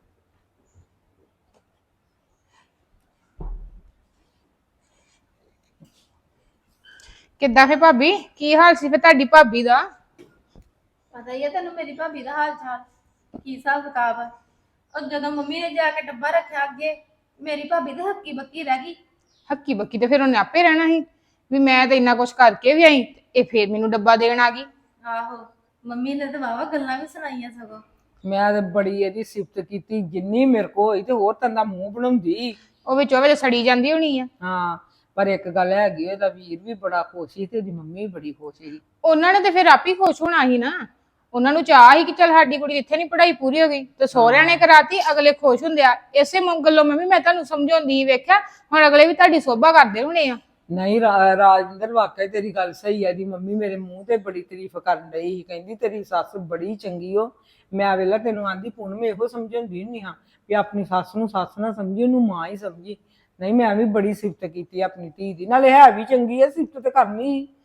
ਕਿੱਦਾਂ ਫੇ ਭਾਬੀ, ਕੀ ਹਾਲ ਸੀ ਫੇ ਤੁਹਾਡੀ ਭਾਬੀ ਦਾ? ਪਤਾ ਹੀ ਆ ਤੈਨੂੰ ਮੇਰੀ ਭਾਬੀ ਦਾ ਹਾਲ ਚਾਲ, ਕੀ ਹਿਸਾਬ ਕਿਤਾਬ ਆ। ਉਹ ਜਦੋਂ ਮੰਮੀ ਨੇ ਜਾ ਕੇ ਡੱਬਾ ਰੱਖਿਆ ਅੱਗੇ, ਮੇਰੀ ਭਾਬੀ ਤੇ ਹੱਕੀ ਬੱਕੀ ਰਹਿ ਗਈ। ਹੱਕੀ ਬੱਕੀ ਤੇ ਫਿਰ ਉਹਨੇ ਆਪੇ ਰਹਿਣਾ ਸੀ ਵੀ ਮੈਂ ਤਾਂ ਇੰਨਾ ਕੁਛ ਕਰਕੇ ਵੀ ਆਈ, ਇਹ ਫੇਰ ਮੈਨੂੰ ਡੱਬਾ ਦੇਣ ਆ ਗਈ। ਆਹੋ, ਮੰਮੀ ਨੇ ਤਾਂ ਵਾਵਾ ਗੱਲਾਂ ਵੀ ਸੁਣਾਈਆਂ ਸਗੋਂ। ਮੈਂ ਤੇ ਬੜੀ ਇਹਦੀ ਸਿਫਤ ਕੀਤੀ ਜਿੰਨੀ ਮੇਰੇ ਕੋ ਹੋਈ, ਤੇ ਹੋਰ ਤੰਦਾ ਮੂੰਹ ਬਣਾਉਂਦੀ। ਉਹ ਵਿੱਚੋਂ ਵਿੱਚ ਸੜੀ ਜਾਂਦੀ ਹੋਣੀ ਆ। ਹਾਂ, ਪਰ ਇੱਕ ਗੱਲ ਹੈਗੀ, ਉਹਦਾ ਵੀਰ ਵੀ ਬੜਾ ਖੁਸ਼ ਸੀ ਤੇ ਉਹਦੀ ਮੰਮੀ ਵੀ ਬੜੀ ਖੁਸ਼ ਸੀ। ਉਹਨਾਂ ਨੇ ਤੇ ਫਿਰ ਆਪ ਹੀ ਖੁਸ਼ ਹੋਣਾ ਸੀ ਨਾ। ਉਹਨਾਂ ਨੂੰ ਚਾਹ ਸੀ ਕਿ ਚੱਲ ਸਾਡੀ ਕੁੜੀ ਇੱਥੇ ਨਹੀਂ ਪੜ੍ਹਾਈ ਪੂਰੀ ਹੋ ਗਈ ਤੇ ਸਹੁਰਿਆਂ ਨੇ ਕਰਾਤੀ, ਅਗਲੇ ਖੁਸ਼ ਹੁੰਦੇ ਆ। ਇਸੇ ਗੱਲੋਂ ਮੈਂ ਤੁਹਾਨੂੰ ਸਮਝਾਉਂਦੀ ਵੇਖਿਆ, ਹੁਣ ਅਗਲੇ ਵੀ ਤੁਹਾਡੀ ਸੋਭਾ ਕਰਦੇ ਹੋਣੇ ਆ। ਨਹੀਂ ਰਾਜਿੰਦਰ, ਵਾਕਈ ਤੇਰੀ ਗੱਲ ਸਹੀ ਹੈ। ਦੀ ਮੰਮੀ ਮੇਰੇ ਮੂੰਹ ਤੇ ਬੜੀ ਤਾਰੀਫ ਕਰਨ ਡਈ ਸੀ, ਕਹਿੰਦੀ ਤੇਰੀ ਸੱਸ ਬੜੀ ਚੰਗੀ ਓ। ਮੈਂ ਵੇਲਾ ਤੈਨੂੰ ਆਂਦੀ ਪੂਨਮ ਇਹੋ ਸਮਝਾਉਂਦੀ ਹੁੰਦੀ ਹਾਂ ਵੀ ਆਪਣੀ ਸੱਸ ਨੂੰ ਸੱਸ ਨਾ ਸਮਝੀ, ਉਹਨੂੰ ਮਾਂ ਹੀ ਸਮਝੀ। ਨਹੀਂ, ਮੈਂ ਵੀ ਬੜੀ ਸਿਫਤ ਕੀਤੀ ਆਪਣੀ ਧੀ ਦੀ, ਨਾਲੇ ਹੈ ਵੀ ਚੰਗੀ ਹੈ, ਸਿਫਤ ਤੇ ਕਰਨੀ।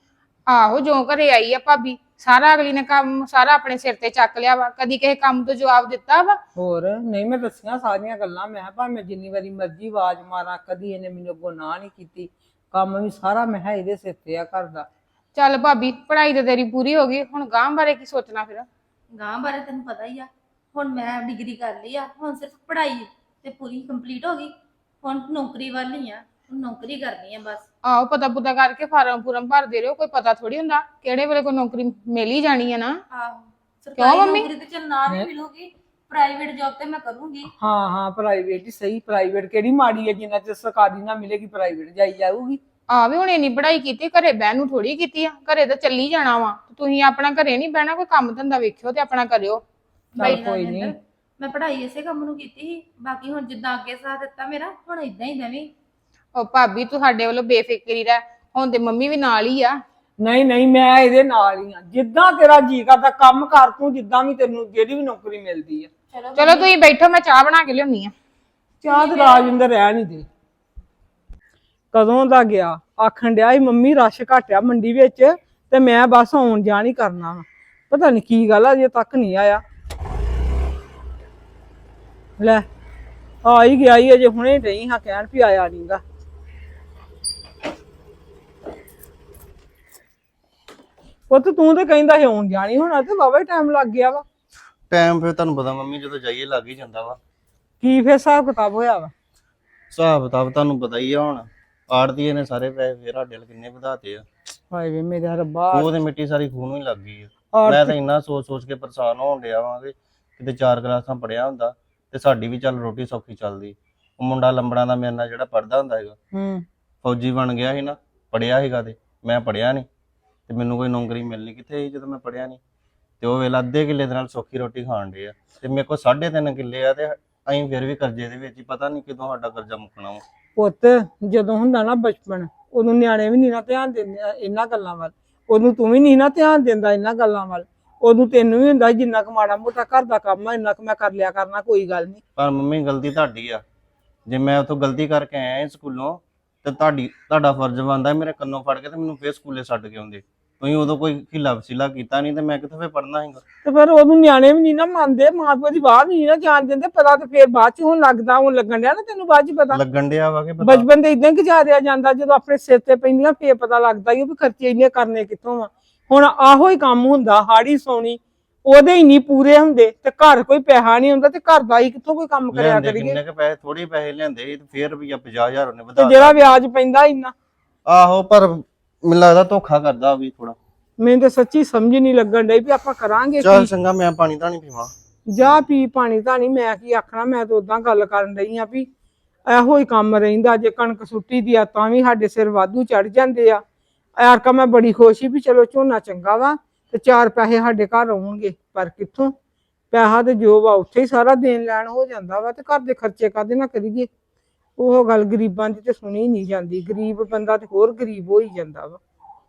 ਆਹੋ ਜੋ ਘਰੇ ਆਈ ਆ ਭਾਬੀ ਸਾਰਾ ਅਗਲੀ ਨੇ ਕੰਮ ਸਾਰਾ ਆਪਣੇ ਸਿਰ ਤੇ ਚੱਕ ਲਿਆ ਵਾ, ਕਦੀ ਕਿਸੇ ਕੰਮ ਤੋਂ ਜਵਾਬ ਦਿੱਤਾ ਵਾ? ਹੋਰ ਨਹੀਂ, ਮੈਂ ਦੱਸੀਆਂ ਸਾਰੀਆਂ ਗੱਲਾਂ। ਮੈਂ ਭਾਵੇਂ ਜਿੰਨੀ ਵਾਰੀ ਮਰਜ਼ੀ ਆਵਾਜ਼ ਮਾਰਾਂ, ਕਦੀ ਇਹਨੇ ਮੈਨੂੰ ਅੱਗੋਂ ਨਾ ਨਹੀਂ ਕੀਤੀ। ਕੰਮ ਵੀ ਸਾਰਾ ਮੈਂ ਕਿਹਾ ਇਹਦੇ ਸਿਰ ਤੇ ਆ ਘਰ ਦਾ। ਚੱਲ ਭਾਬੀ ਪੜ੍ਹਾਈ ਤੇ ਤੇਰੀ ਪੂਰੀ ਹੋ ਗਈ, ਹੁਣ ਗਾਂਹ ਬਾਰੇ ਕੀ ਸੋਚਣਾ ਫਿਰ? ਗਾਂ ਬਾਰੇ ਤੈਨੂੰ ਪਤਾ ਹੀ ਆ, ਹੁਣ ਮੈਂ ਡਿਗਰੀ ਕਰ ਲਈ ਆ, ਹੁਣ ਸਿਰਫ ਪੜ੍ਹਾਈ ਤੇ ਪੂਰੀ ਕੰਪਲੀਟ ਹੋ ਗਈ। ਹੁਣ ਨੌਕਰੀ ਵੱਲ ਹੀ ਆ, ਹੁਣ ਨੌਕਰੀ ਕਰਨੀ ਆ ਬਸ। ਆਹੋ ਪਤਾ ਪੁਤਾ ਕਰਕੇ ਫਾਰਮ ਫੂਰਮ ਭਰਦੇ ਰਹੋ, ਕੋਈ ਪਤਾ ਥੋੜੀ ਹੁੰਦਾ ਕਿਹੜੇ ਵੇਲੇ ਕੋਈ ਨੌਕਰੀ ਮਿਲ ਹੀ ਜਾਣੀ ਹੈ ਨਾ। ਆਹੋ ਸਰਕਾਰੀ ਮੰਮੀ? ਨੌਕਰੀ ਤੇ ਚੱਲ ਨਾ ਵੀ ਮਿਲੂਗੀ, ਪ੍ਰਾਈਵੇਟ ਜੌਬ ਤੇ ਮੈਂ ਕਰੂੰਗੀ। ਹਾਂ ਹਾਂ, ਪ੍ਰਾਈਵੇਟ ਹੀ ਸਹੀ। ਪ੍ਰਾਈਵੇਟ ਕਿਹੜੀ ਮਾੜੀ ਹੈ, ਜਿੰਨਾ ਚਿਰ ਸਰਕਾਰੀ ਨਾ ਮਿਲੇਗੀ ਪ੍ਰਾਈਵੇਟ ਜਾਈ ਜਾਊਗੀ। ਆ ਵੀ ਹੁਣ ਇੰਨੀ ਪੜ੍ਹਾਈ ਕੀਤੀ, ਘਰੇ ਬਹਿਣ ਨੂੰ ਥੋੜੀ ਕੀਤੀ ਆ, ਘਰੇ ਤਾਂ ਚੱਲੀ ਜਾਣਾ ਵਾ। ਤੁਸੀਂ ਆਪਣਾ ਘਰੇ ਨਹੀਂ ਬਹਿਣਾ, ਕੋਈ ਕੰਮ ਧੰਦਾ ਵੇਖਿਓ ਤੇ ਆਪਣਾ ਕਰਿਓ। ਚੱਲ ਕੋਈ ਨਹੀਂ। ਮੈਂ ਪੜ੍ਹਾਈ ਇਸੇ ਕੰਮ ਨੂੰ ਕੀਤੀ ਸੀ, ਬਾਕੀ ਹੁਣ ਜਿੱਦਾਂ ਅੱਗੇ ਸਾਥ ਦਿੱਤਾ ਮੇਰਾ, ਹੁਣ ਇਦਾਂ ਹੀ ਦੇਵੀਂ। ਉਹ ਭਾਬੀ ਤੂੰ ਸਾਡੇ ਵੱਲੋਂ ਬੇਫਿਕਰੀ ਰਹਿ, ਹੁਣ ਤੇ ਮੰਮੀ ਵੀ ਨਾਲ ਹੀ ਆ। ਨਹੀਂ ਨਹੀਂ, ਮੈਂ ਇਹਦੇ ਨਾਲ ਹੀ ਆ। ਜਿੱਦਾਂ ਤੇਰਾ ਜੀ ਕਰਦਾ ਕੰਮ ਕਰ ਤੂੰ, ਜਿੱਦਾਂ ਵੀ ਤੈਨੂੰ ਜਿਹੜੀ ਵੀ ਨੌਕਰੀ ਮਿਲਦੀ ਆ। ਚਲੋ ਤੁਸੀਂ ਬੈਠੋ, ਮੈਂ ਚਾਹ ਬਣਾ ਕੇ ਲਿਆਉਣੀ ਆ। ਚਾਹ ਤੇ ਰਾਜਿੰਦਰ ਰਹਿ ਨਹੀਂ ਦੇ। ਕਦੋਂ ਦਾ ਗਿਆ, ਆਖਣ ਡਿਆ ਸੀ ਮੰਮੀ ਰਸ਼ ਘਟਿਆ ਮੰਡੀ ਵਿੱਚ ਤੇ ਮੈਂ ਬਸ ਆਉਣ ਜਾਣ ਹੀ ਕਰਨਾ ਵਾ। ਪਤਾ ਨਹੀਂ ਕੀ ਗੱਲ ਆ, ਅਜੇ ਤੱਕ ਨਹੀਂ ਆਇਆ। ਲੈ ਆ ਹੀ ਗਿਆ ਹੀ, ਅਜੇ ਹੁਣੇ ਨਹੀਂ ਹਾਂ ਕਹਿਣ ਵੀ ਆਇਆ ਨਹੀਂਗਾ। ਪੁੱਤ ਤੂੰ ਤੇ ਕਹਿੰਦਾ ਸੀ ਆਉਣ ਜਾਣੀ, ਹੋਣਾ ਤੇ ਵਾਵਾ ਟਾਈਮ ਲੱਗ ਗਿਆ ਵਾ। ਟਾਈਮ ਫਿਰ ਤੁਹਾਨੂੰ ਪਤਾ ਮੰਮੀ ਜਦੋਂ ਜਾਈਏ ਲੱਗ ਹੀ ਜਾਂਦਾ ਵਾ। ਕੀ ਫੇਰ ਹਿਸਾਬ ਕਿਤਾਬ ਹੋਇਆ ਵਾ? ਹਿਸਾਬ ਕਿਤਾਬ ਤੁਹਾਨੂੰ ਪਤਾ ਹੀ ਆ, ਹੁਣ ਆੜਤੀਏ ਨੇ ਸਾਰੇ ਪੈਸੇ ਫੇਰ ਸਾਡੇ ਵੱਲ ਕਿੰਨੇ ਵਧਾਤੇ ਆ। ਹਾਏ ਵੇ ਮੇਰੇ ਰੱਬਾ, ਉਹ ਤੇ ਮਿੱਟੀ ਸਾਰੀ ਖੂਨ ਨੂੰ ਹੀ ਲੱਗ ਗਈ ਆ। ਆੜਤੀ- ਮੈਂ ਤਾਂ ਇੰਨਾ ਸੋਚ ਸੋਚ ਕੇ ਪਰੇਸ਼ਾਨ ਹੋਣ ਡਿਆ ਵਾਂ ਕਿ ਕਿਤੇ 4 ਕਲਾਸਾਂ ਪੜਿਆ ਹੁੰਦਾ ਤੇ ਸਾਡੀ ਵੀ ਚੱਲ ਰੋਟੀ ਸੌਖੀ ਚੱਲਦੀ। ਉਹ ਮੁੰਡਾ ਲੰਬੜਾਂ ਦਾ ਮੇਰੇ ਨਾਲ ਜਿਹੜਾ ਪੜਦਾ ਹੁੰਦਾ ਹੈਗਾ, ਫੌਜੀ ਬਣ ਗਿਆ ਸੀ ਨਾ, ਪੜਿਆ ਸੀਗਾ ਤੇ ਮੈਂ ਪੜਿਆ ਨਹੀਂ ਤੇ ਮੈਨੂੰ ਕੋਈ ਨੌਕਰੀ ਮਿਲਣੀ ਕਿੱਥੇ ਸੀ ਜਦੋਂ ਮੈਂ ਪੜਿਆ ਨਹੀਂ। ਤੇ ਉਹ ਵੇਲਾ ਅੱਧੇ ਕਿੱਲੇ ਦੇ ਨਾਲ ਸੌਖੀ ਰੋਟੀ ਖਾਣ ਡੇ ਆ ਤੇ ਮੇਰੇ ਕੋਲ 3.5 ਕਿੱਲੇ ਆ ਤੇ ਅਸੀਂ ਫਿਰ ਵੀ ਕਰਜ਼ੇ ਦੇ ਵਿੱਚ ਹੀ, ਪਤਾ ਨਹੀਂ ਕਦੋਂ ਸਾਡਾ ਕਰਜ਼ਾ ਮੁੱਕਣਾ ਵਾ। ਪੁੱਤ ਜਦੋਂ ਹੁੰਦਾ ਨਾ ਬਚਪਨ, ਉਦੋਂ ਨਿਆਣੇ ਵੀ ਨਹੀਂ ਨਾ ਧਿਆਨ ਦਿੰਦੇ ਇਹਨਾਂ ਗੱਲਾਂ ਵੱਲ। ਉਦੋਂ ਤੂੰ ਵੀ ਨਹੀਂ ਨਾ ਧਿਆਨ ਦਿੰਦਾ ਇਹਨਾਂ ਗੱਲਾਂ ਵੱਲ। ਉਦੋਂ ਤੈਨੂੰ ਵੀ ਹੁੰਦਾ ਜਿੰਨਾ ਕੁ ਮਾੜਾ ਮੋਟਾ ਘਰ ਦਾ ਕੰਮ ਆ ਇੰਨਾ ਕੁ ਮੈਂ ਕਰ ਲਿਆ ਕਰਨਾ, ਕੋਈ ਗੱਲ ਨਹੀਂ। ਪਰ ਮੰਮੀ ਗਲਤੀ ਤੁਹਾਡੀ ਆ, ਜੇ ਮੈਂ ਉੱਥੋਂ ਗਲਤੀ ਕਰਕੇ ਆਇਆ ਸਕੂਲੋਂ ਤੇ ਤੁਹਾਡਾ ਫਰਜ਼ ਬਣਦਾ ਮੇਰੇ ਕੰਨੋਂ ਫੜ ਕੇ ਤੇ ਮੈਨੂੰ ਫੇਰ ਸਕੂਲੇ ਛੱਡ ਕੇ ਆਉਂਦੇ। ਤੁਸੀਂ ਉਦੋਂ ਕੋਈ ਹਿੱਲਾ ਵਸੀਲਾ ਕੀਤਾ ਨਹੀਂ ਤੇ ਮੈਂ ਕਿੱਥੋਂ ਫੇਰ ਪੜਨਾ ਸੀਗਾ। ਤੇ ਫਿਰ ਉਦੋਂ ਨਿਆਣੇ ਵੀ ਨਹੀਂ ਨਾ ਮੰਨਦੇ, ਮਾਂ ਪਿਓ ਦੀ ਬਾਤ ਨਹੀਂ ਨਾ ਜਾਣ ਦਿੰਦੇ। ਪਤਾ ਤੇ ਫੇਰ ਬਾਅਦ ਚ ਹੁਣ ਲੱਗਦਾ, ਹੁਣ ਲੱਗਣ ਡਿਆ ਨਾ ਤੈਨੂੰ ਬਾਅਦ ਚ ਪਤਾ। ਲੱਗਣ ਡਿਆ ਵਾ ਕਿ ਪਤਾ। ਬਚਪਨ ਤੇ ਇਦਾਂ ਗੁਜ਼ਾਰਿਆ ਜਾਂਦਾ, ਜਦੋਂ ਆਪਣੇ ਸਿਰ ਤੇ ਪੈਂਦੀਆਂ ਫੇਰ ਪਤਾ ਲੱਗਦਾ ਹੀ ਵੀ ਖਰਚੇ ਇੰਨੇ ਕਰਨੇ ਕਿੱਥੋਂ ਆ। ਹੁਣ ਆਹੋ ਹੀ ਕੰਮ ਹੁੰਦਾ, ਹਾੜੀ ਸੌਣੀ ਉਹਦੇ ਹੀ ਨਹੀਂ ਪੂਰੇ ਹੁੰਦੇ ਤੇ ਘਰ ਕੋਈ ਪੈਸਾ ਨਹੀਂ ਹੁੰਦਾ ਤੇ ਘਰ ਦਾ ਹੀ ਕਿੱਥੋਂ ਕੋਈ ਕੰਮ ਕਰਿਆ ਲਿਆਂਦੇ ਕਰੀਏ। ਕਿੰਨੇ ਕ ਪੈਸੇ, ਥੋੜੀ ਪੈਸੇ ਲਿਆਂਦੇ ਸੀ ਤੇ ਫੇਰ ਰੁਪਈਆ 50,000 ਉਹਨੇ ਤੇ ਵਧਾ ਜਿਹੜਾ ਵਿਆਜ ਪੈਂਦਾ ਇੰਨਾ, ਆਹੋ ਪਰ ਮੈਨੂੰ ਲੱਗਦਾ ਧੋਖਾ ਕਰਦਾ ਵੀ ਥੋੜਾ। ਮੈਨੂੰ ਤਾਂ ਸੱਚੀ ਸਮਝ ਨਹੀਂ ਲੱਗਣ ਡਈ ਵੀ ਆਪਾਂ ਕਰਾਂਗੇ ਚੱਲ ਕੀ। ਚੰਗਾ ਮੈਂ ਪਾਣੀ ਤਾਂ ਨਹੀਂ ਪੀਵਾਂ। ਜਾ ਪੀ ਪਾਣੀ ਧਾਣੀ, ਮੈਂ ਕੀ ਆਖਣਾ। ਮੈਂ ਤਾਂ ਉਦਾਂ ਗੱਲ ਕਰਨ ਰਹੀ ਆ ਵੀ ਇਹੋ ਹੀ ਕੰਮ ਰਹਿੰਦਾ। ਜੇ ਕਣਕ ਸੁੱਟੀ ਦੀ ਆ ਤਾਂ ਵੀ ਸਾਡੇ ਸਿਰ ਵਾਧੂ ਚੜ ਜਾਂਦੇ ਆ। ਐਰਕਾ ਮੈਂ ਬੜੀ ਖੁਸ਼ ਸੀ ਵੀ ਚਲੋ ਝੋਨਾ ਚੰਗਾ ਵਾ ਤੇ 4 ਪੈਸੇ ਸਾਡੇ ਘਰ ਆਉਣਗੇ, ਪਰ ਕਿੱਥੋਂ ਪੈਸਾ ਤੇ ਜੋ ਵਾ ਉੱਥੇ ਹੀ ਸਾਰਾ ਦੇਣ ਲੈਣ ਹੋ ਜਾਂਦਾ ਵਾ ਤੇ ਘਰ ਦੇ ਖਰਚੇ ਕਾਹਦੇ ਨਾਲ ਕਰੀਏ। ਉਹ ਗੱਲ ਗਰੀਬਾਂ ਦੀ ਤੇ ਸੁਣੀ ਨਹੀਂ ਜਾਂਦੀ। ਗਰੀਬ ਬੰਦਾ ਤੇ ਹੋਰ ਗਰੀਬ ਹੋ ਹੀ ਜਾਂਦਾ ਵਾ।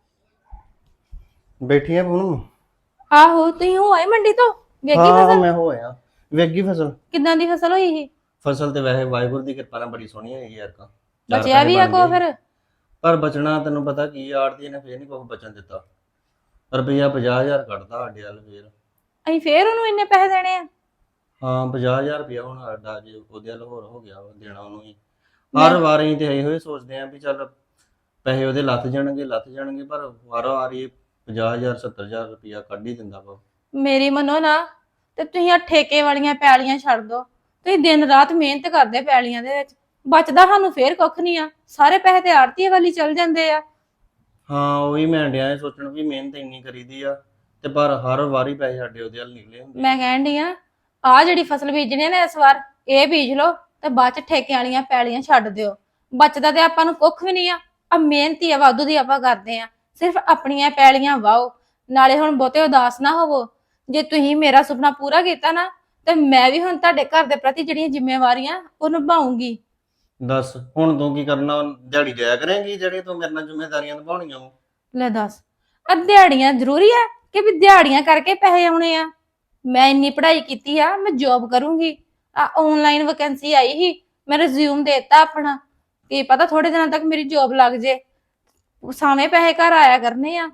ਬੈਠੀ ਆ ਪੂਨਮ? ਆਹੋ ਤੁਸੀਂ ਹੋ ਆਏ ਮੰਡੀ ਤੋਂ? ਵੇਖੀ ਹਾਂ ਫਸਲ? ਮੈਂ ਹੋਇਆ। ਵੇਗੀ ਫਸਲ? ਕਿੱਦਾਂ ਦੀ ਫਸਲ ਹੋਈ ਸੀ? ਫਸਲ ਤੇ ਵੈਸੇ ਵਾਹਿਗੁਰੂ ਦੀ ਕਿਰਪਾ ਨਾਲ ਬੜੀ ਸੋਹਣੀ ਹੋਈ ਯਾਰ ਕਾ। ਬਚਿਆ ਵੀ ਆ ਕੋ ਫਿਰ? ਪਰ ਬਚਣਾ ਤੈਨੂੰ ਪਤਾ ਕੀ ਆੜਤੀ ਨੇ ਫੇਰ ਨਹੀਂ ਕੁਝ ਬਚਣ ਦਿੱਤਾ। ਰੁਪਈਆ 50,000 ਕੱਢਦਾ ਸਾਡੇ ਵੱਲ ਫੇਰ। ਅਸੀਂ ਫੇਰ ਉਹਨੂੰ ਇੰਨੇ ਪੈਸੇ ਦੇਣੇ ਆ? ਹਾਂ 50,000 ਰੁਪਇਆ ਹੁਣ ਸਾਡਾ ਜੇ ਉਹਦੇ ਵੱਲ ਹੋਰ ਹੋ ਗਿਆ ਵਾ ਦੇਣਾ ਉਹਨੂੰ ਹੀ। ਹਰ ਵਾਰ ਅਸੀਂ ਤੇ ਇਹੋ ਹੀ ਸੋਚਦੇ ਆਂ ਵੀ ਚੱਲ ਪੈਸੇ ਉਹਦੇ ਲੱਥ ਜਾਣਗੇ ਪਰ ਵਾਰ ਵਾਰੀ 50,000 70,000 ਰੁਪਇਆ ਕੱਢ ਹੀ ਦਿੰਦਾ ਵਾ। ਮੇਰੀ ਮੰਨੋ ਨਾ ਤੇ ਤੁਸੀਂ ਆ ਠੇਕੇ ਵਾਲੀਆਂ ਪੈਲੀਆਂ ਛੱਡ ਦੋ। ਤੁਸੀਂ ਦਿਨ ਰਾਤ ਮਿਹਨਤ ਕਰਦੇ ਪੈਲੀਆਂ ਦੇ ਵਿੱਚ, ਬਚਦਾ ਸਾਨੂੰ ਫੇਰ ਕੁੱਖ ਨਹੀਂ ਆ। ਸਾਰੇ ਪੈਸੇ ਤੇ ਆੜਤੀਏ ਵਾਲੀ ਚਲ ਜਾਂਦੇ ਆ। ਹਾਂ ਉਹੀ ਮੈਂ ਡਿਆ ਸੋਚਣ ਵੀ ਮਿਹਨਤ ਇੰਨੀ ਕਰੀਦੀ ਆ ਤੇ ਪਰ ਹਰ ਵਾਰੀ ਪੈਸੇ ਸਾਡੇ ਉਹਦੇ ਵੱਲ ਨਿਕਲੇ ਹੁੰਦੇ। ਮੈਂ ਕਹਿਣ ਡਈ ਆ ਜਿਹੜੀ ਫਸਲ ਬੀਜਣੀ ਨੇ ਇਸ ਵਾਰ ਇਹ ਬੀਜ ਲਓ ਤੇ ਬਾਅਦ ਚ ਠੇਕੇ ਵਾਲੀਆਂ ਪੈਲੀਆਂ ਛੱਡ ਦਿਓ। ਬਚਦਾ ਤੇ ਆਪਾਂ ਨੂੰ ਕੁੱਖ ਵੀ ਨਹੀਂ ਆ ਮਿਹਨਤੀ ਆ ਵਾਧੂ ਦੀ ਆਪਾਂ ਕਰਦੇ ਆ। ਸਿਰਫ ਆਪਣੀਆਂ ਪੈਲੀਆਂ ਵਾਓ। ਨਾਲੇ ਹੁਣ ਬਹੁਤੇ ਉਦਾਸ ਨਾ ਹੋਵੋ। ਜੇ ਤੁਸੀਂ ਮੇਰਾ ਸੁਪਨਾ ਪੂਰਾ ਕੀਤਾ ਨਾ ਤੇ ਮੈਂ ਵੀ ਹੁਣ ਤੁਹਾਡੇ ਘਰ ਦੇ ਪ੍ਰਤੀ ਜਿਹੜੀਆਂ ਜ਼ਿੰਮੇਵਾਰੀਆਂ ਉਹ ਨਿਭਾਉਂਗੀ। ਦੱਸ ਹੁਣ ਤੂੰ ਕੀ ਕਰਨਾ? ਦਿਹਾੜੀ ਜਾਇਆ ਕਰੇਂਗੀ ਜਿਹੜੇ ਤੂੰ ਮੇਰੇ ਨਾਲ ਜ਼ਿੰਮੇਵਾਰੀਆਂ ਨਿਭਾਉਣੀਆਂ ਵਾ? ਲੈ ਦੱਸ, ਦਿਹਾੜੀਆਂ ਜ਼ਰੂਰੀ ਆ ਕਿ ਵੀ ਦਿਹਾੜੀਆਂ ਕਰਕੇ ਪੈਸੇ ਆਉਣੇ ਆ? ਮੈਂ ਇੰਨੀ ਪੜ੍ਹਾਈ ਕੀਤੀ ਆ, ਮੈਂ ਜੌਬ ਕਰੂੰਗੀ। ਆ ਆਨਲਾਈਨ ਵੈਕੈਂਸੀ ਆਈ ਸੀ, ਮੈਂ ਰਿਜ਼ਿਊਮ ਦੇਤਾ ਆਪਣਾ। ਕੀ ਪਤਾ ਥੋੜੇ ਦਿਨਾਂ ਤੱਕ ਮੇਰੀ ਜੌਬ ਲੱਗ ਜੇ। ਸਾਵੇਂ ਪੈਸੇ ਘਰ ਆਇਆ ਕਰਨੇ ਆ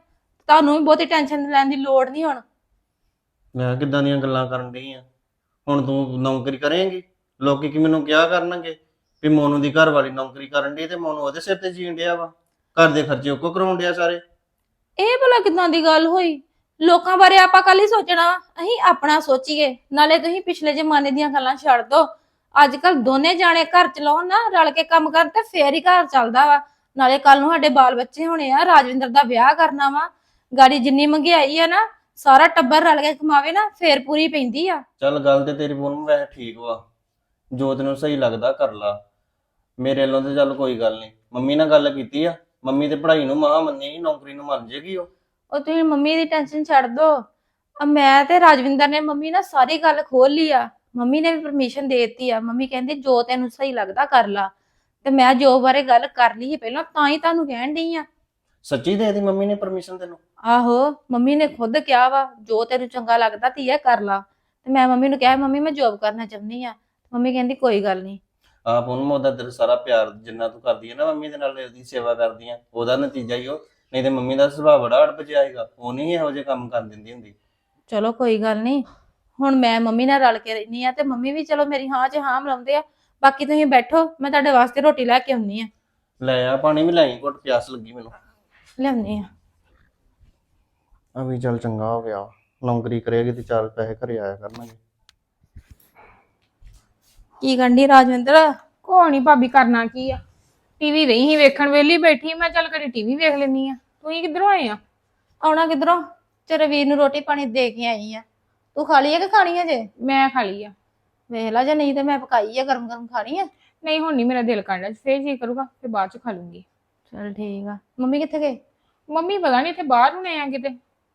ਤੁਹਾਨੂੰ ਵੀ ਬਹੁਤੀ ਟੈਨਸ਼ਨ ਲੈਣ ਦੀ ਲੋੜ ਨਹੀਂ ਹੁਣ। ਮੈਂ ਕਿੱਦਾਂ ਦੀਆਂ ਗੱਲਾਂ ਕਰਨ ਡਈ ਆ? ਹੁਣ ਤੂੰ ਨੌਕਰੀ ਕਰੇਂਗੀ, ਲੋਕੀ ਕੀ ਮੈਨੂੰ ਕਿਹਾ ਕਰਨਗੇ ਵੀ ਮੋਨੂ ਦੀ ਘਰ ਵਾਲੀ ਨੌਕਰੀ ਕਰਨ ਡਈ ਤੇ ਮੋਨੂ ਉਹਦੇ ਸਿਰ ਤੇ ਜੀਣ ਡਿਆ ਵਾ, ਘਰ ਦੇ ਖਰਚੇ ਉਹ ਕੋ ਕਰਾਉਣ ਡਿਆ ਸਾਰੇ। ਇਹ ਭਲਾ ਕਿਦਾਂ ਦੀ ਗੱਲ ਹੋਈ? ਲੋਕਾਂ ਬਾਰੇ ਆਪਾਂ ਕੱਲ ਹੀ ਸੋਚਣਾ ਵਾ, ਅਸੀਂ ਆਪਣਾ ਸੋਚੀਏ। ਨਾਲੇ ਤੁਸੀਂ ਪਿਛਲੇ ਜ਼ਮਾਨੇ ਦੀਆਂ ਗੱਲਾਂ ਛੱਡ ਦੋ। ਅੱਜ ਕੱਲ ਦੋਨੇ ਜਾਣੇ ਘਰ ਚਲਾਉਣ ਨਾ, ਰਲ ਕੇ ਕੰਮ ਕਰਨ ਤੇ ਫੇਰ ਹੀ ਘਰ ਚੱਲਦਾ ਵਾ। ਨਾਲੇ ਕੱਲ ਨੂੰ ਸਾਡੇ ਬਾਲ ਬੱਚੇ ਹੋਣੇ ਆ, ਰਾਜਵਿੰਦਰ ਦਾ ਵਿਆਹ ਕਰਨਾ ਵਾ, ਗਾੜੀ ਜਿੰਨੀ ਮਹਿੰਗਾਈ ਆ ਨਾ, ਸਾਰਾ ਟੱਬਰ ਰਲ ਕੇ ਕਮਾਵੇ ਨਾ ਫੇਰ ਪੂਰੀ ਪੈਂਦੀ ਆ। ਚੱਲ ਗੱਲ ਤੇ ਤੇਰੀ ਪੂਨਮ ਵੈਸੇ ਠੀਕ ਵਾ, ਜੋ ਤੈਨੂੰ ਸਹੀ ਲੱਗਦਾ ਕਰ ਲਾ। ਮੇਰੇ ਵੱਲੋਂ ਤੇ ਚੱਲ ਕੋਈ ਗੱਲ ਨਹੀਂ, ਮੰਮੀ ਨਾਲ ਗੱਲ ਕੀਤੀ ਆ, ਮੰਮੀ ਤੇ ਪੜ੍ਹਾਈ ਨੂੰ ਮਹਾ ਮੰਨੇਗੀ, ਨੌਕਰੀ ਨੂੰ ਮੰਨ ਜੇਗੀ ਉਹ। ਉਹ ਤੁਸੀਂ ਮੰਮੀ ਦੀ ਟੈਨਸ਼ਨ ਛੱਡ ਦੋ। ਮੈਂ ਤੇ ਰਾਜਵਿੰਦਰ ਨੇ ਮੰਮੀ ਨਾਲ ਸਾਰੀ ਗੱਲ ਖੋਲ ਲਈ ਆ। ਮੰਮੀ ਨੇ ਵੀ ਪਰਮਿਸ਼ਨ ਦੇ ਦਿੱਤੀ ਆ। ਮੰਮੀ ਕਹਿੰਦੀ ਜੋ ਤੈਨੂੰ ਸਹੀ ਲੱਗਦਾ ਕਰ ਲਾ। ਤੇ ਮੈਂ ਜੋ ਬਾਰੇ ਗੱਲ ਕਰ ਲਈ ਪਹਿਲਾਂ, ਤਾਂ ਹੀ ਤੁਹਾਨੂੰ ਕਹਿਣ ਡਈ ਆ। ਸੱਚੀ ਦੇ ਦਿੱਤੀ ਮੰਮੀ ਨੇ ਪਰਮਿਸ਼ਨ ਤੈਨੂੰ? ਆਹੋ, ਮੰਮੀ ਨੇ ਖੁਦ ਕਿਹਾ ਵਾ ਜੋ ਤੈਨੂੰ ਚੰਗਾ ਲੱਗਦਾ ਧੀਆ ਕਰ ਲਾ। ਤੇ ਮੈਂ ਮੰਮੀ ਨੂੰ ਕਿਹਾ ਮੰਮੀ ਮੈਂ ਜੋਬ ਕਰਨਾ ਚਾਹੁੰਦੀ ਆ। ਮੰਮੀ ਕਹਿੰਦੀ ਕੋਈ ਗੱਲ ਨਹੀਂ। ਆਪ ਉਹਨੂੰ ਉਹਦਾ ਤੇਰਾ ਸਾਰਾ ਪਿਆਰ ਜਿੰਨਾ ਤੂੰ ਕਰਦੀ ਹੈ ਨਾ ਮੰਮੀ ਦੇ ਨਾਲ, ਉਹਦੀ ਸੇਵਾ ਕਰਦੀ ਆ, ਉਹਦਾ ਨਤੀਜਾ ਹੀ ਉਹ। ਨਹੀਂ ਤੇ ਮੰਮੀ ਦਾ ਸੁਭਾਅ ਬੜਾ ਅੜਪਜਿਆ ਹੈਗਾ, ਉਹ ਨਹੀਂ ਇਹੋ ਜਿਹੇ ਕੰਮ ਕਰ ਦਿੰਦੀ ਹੁੰਦੀ। ਚਲੋ ਕੋਈ ਗੱਲ ਨਹੀਂ, ਹੁਣ ਮੈਂ ਮੰਮੀ ਨਾਲ ਰਲ ਕੇ ਰਹਿਨੀ ਆ ਤੇ ਮੰਮੀ ਵੀ ਚਲੋ ਮੇਰੀ ਹਾਂ 'ਚ ਹਾਂ ਮਿਲਾਉਂਦੇ ਆ। ਬਾਕੀ ਤੁਸੀਂ ਬੈਠੋ, ਮੈਂ ਤੁਹਾਡੇ ਵਾਸਤੇ ਰੋਟੀ ਲੈ ਕੇ ਆਉਣੀ ਆ। ਲੈ ਆ ਪਾਣੀ ਵੀ ਲੈ, ਘੁੱਟ ਪਿਆਸ ਲੱਗੀ ਮੈਨੂੰ। ਲਿਆਉਣੀ ਆ। ਆ ਵੀ ਚੱਲ ਚੰਗਾ ਹੋ ਗਿਆ, ਨੌਕਰੀ ਕਰੇਗੀ ਤੇ ਚਾਰ ਪੈਸੇ ਘਰੇ ਆਇਆ ਕਰਨਗੇ। ਕੀ ਕਰਨੀ ਰਾਜਵਿੰਦਰ? ਕੋਈ ਨੀ ਭਾਬੀ, ਕਰਨਾ ਕੀ ਆ, ਟੀਵੀ ਰਹੀ ਸੀ ਵੇਖਣ, ਵੇਲੀ ਬੈਠੀ ਮੈਂ ਚੱਲ ਕਦੀ ਟੀਵੀ ਵੇਖ ਲੈਣੀ ਆ। ਤੁਸੀਂ ਕਿੱਧਰੋਂ ਆਏ ਆ? ਆਉਣਾ ਕਿੱਧਰੋਂ? ਤੇਰੇ ਵੀਰ ਨੂੰ ਰੋਟੀ ਪਾਣੀ ਦੇ ਕੇ ਆਈ ਆ। ਤੂੰ ਖਾ ਲਈ ਆ ਕਿ ਖਾਣੀ ਆ ਜੇ? ਮੈਂ ਖਾ ਲਈ ਆ। ਵੇਖ ਲਾ, ਜੇ ਨਹੀਂ ਤੇ ਮੈਂ ਪਕਾਈ ਆ, ਗਰਮ ਗਰਮ ਖਾਣੀ ਆ। ਨਹੀਂ ਹੁਣ ਨਹੀਂ ਮੇਰਾ ਦਿਲ ਕਰਦਾ, ਫੇਰ ਜੀ ਕਰੂਗਾ ਫਿਰ ਬਾਅਦ ਚ ਖਾ ਲੂੰਗੀ। ਚਲ ਠੀਕ ਆ। ਮੰਮੀ ਕਿੱਥੇ ਗਏ? ਮੰਮੀ ਪਤਾ ਨਹੀਂ ਇੱਥੇ ਬਾਹਰ ਹੋਣੇ ਆ ਕਿਤੇ।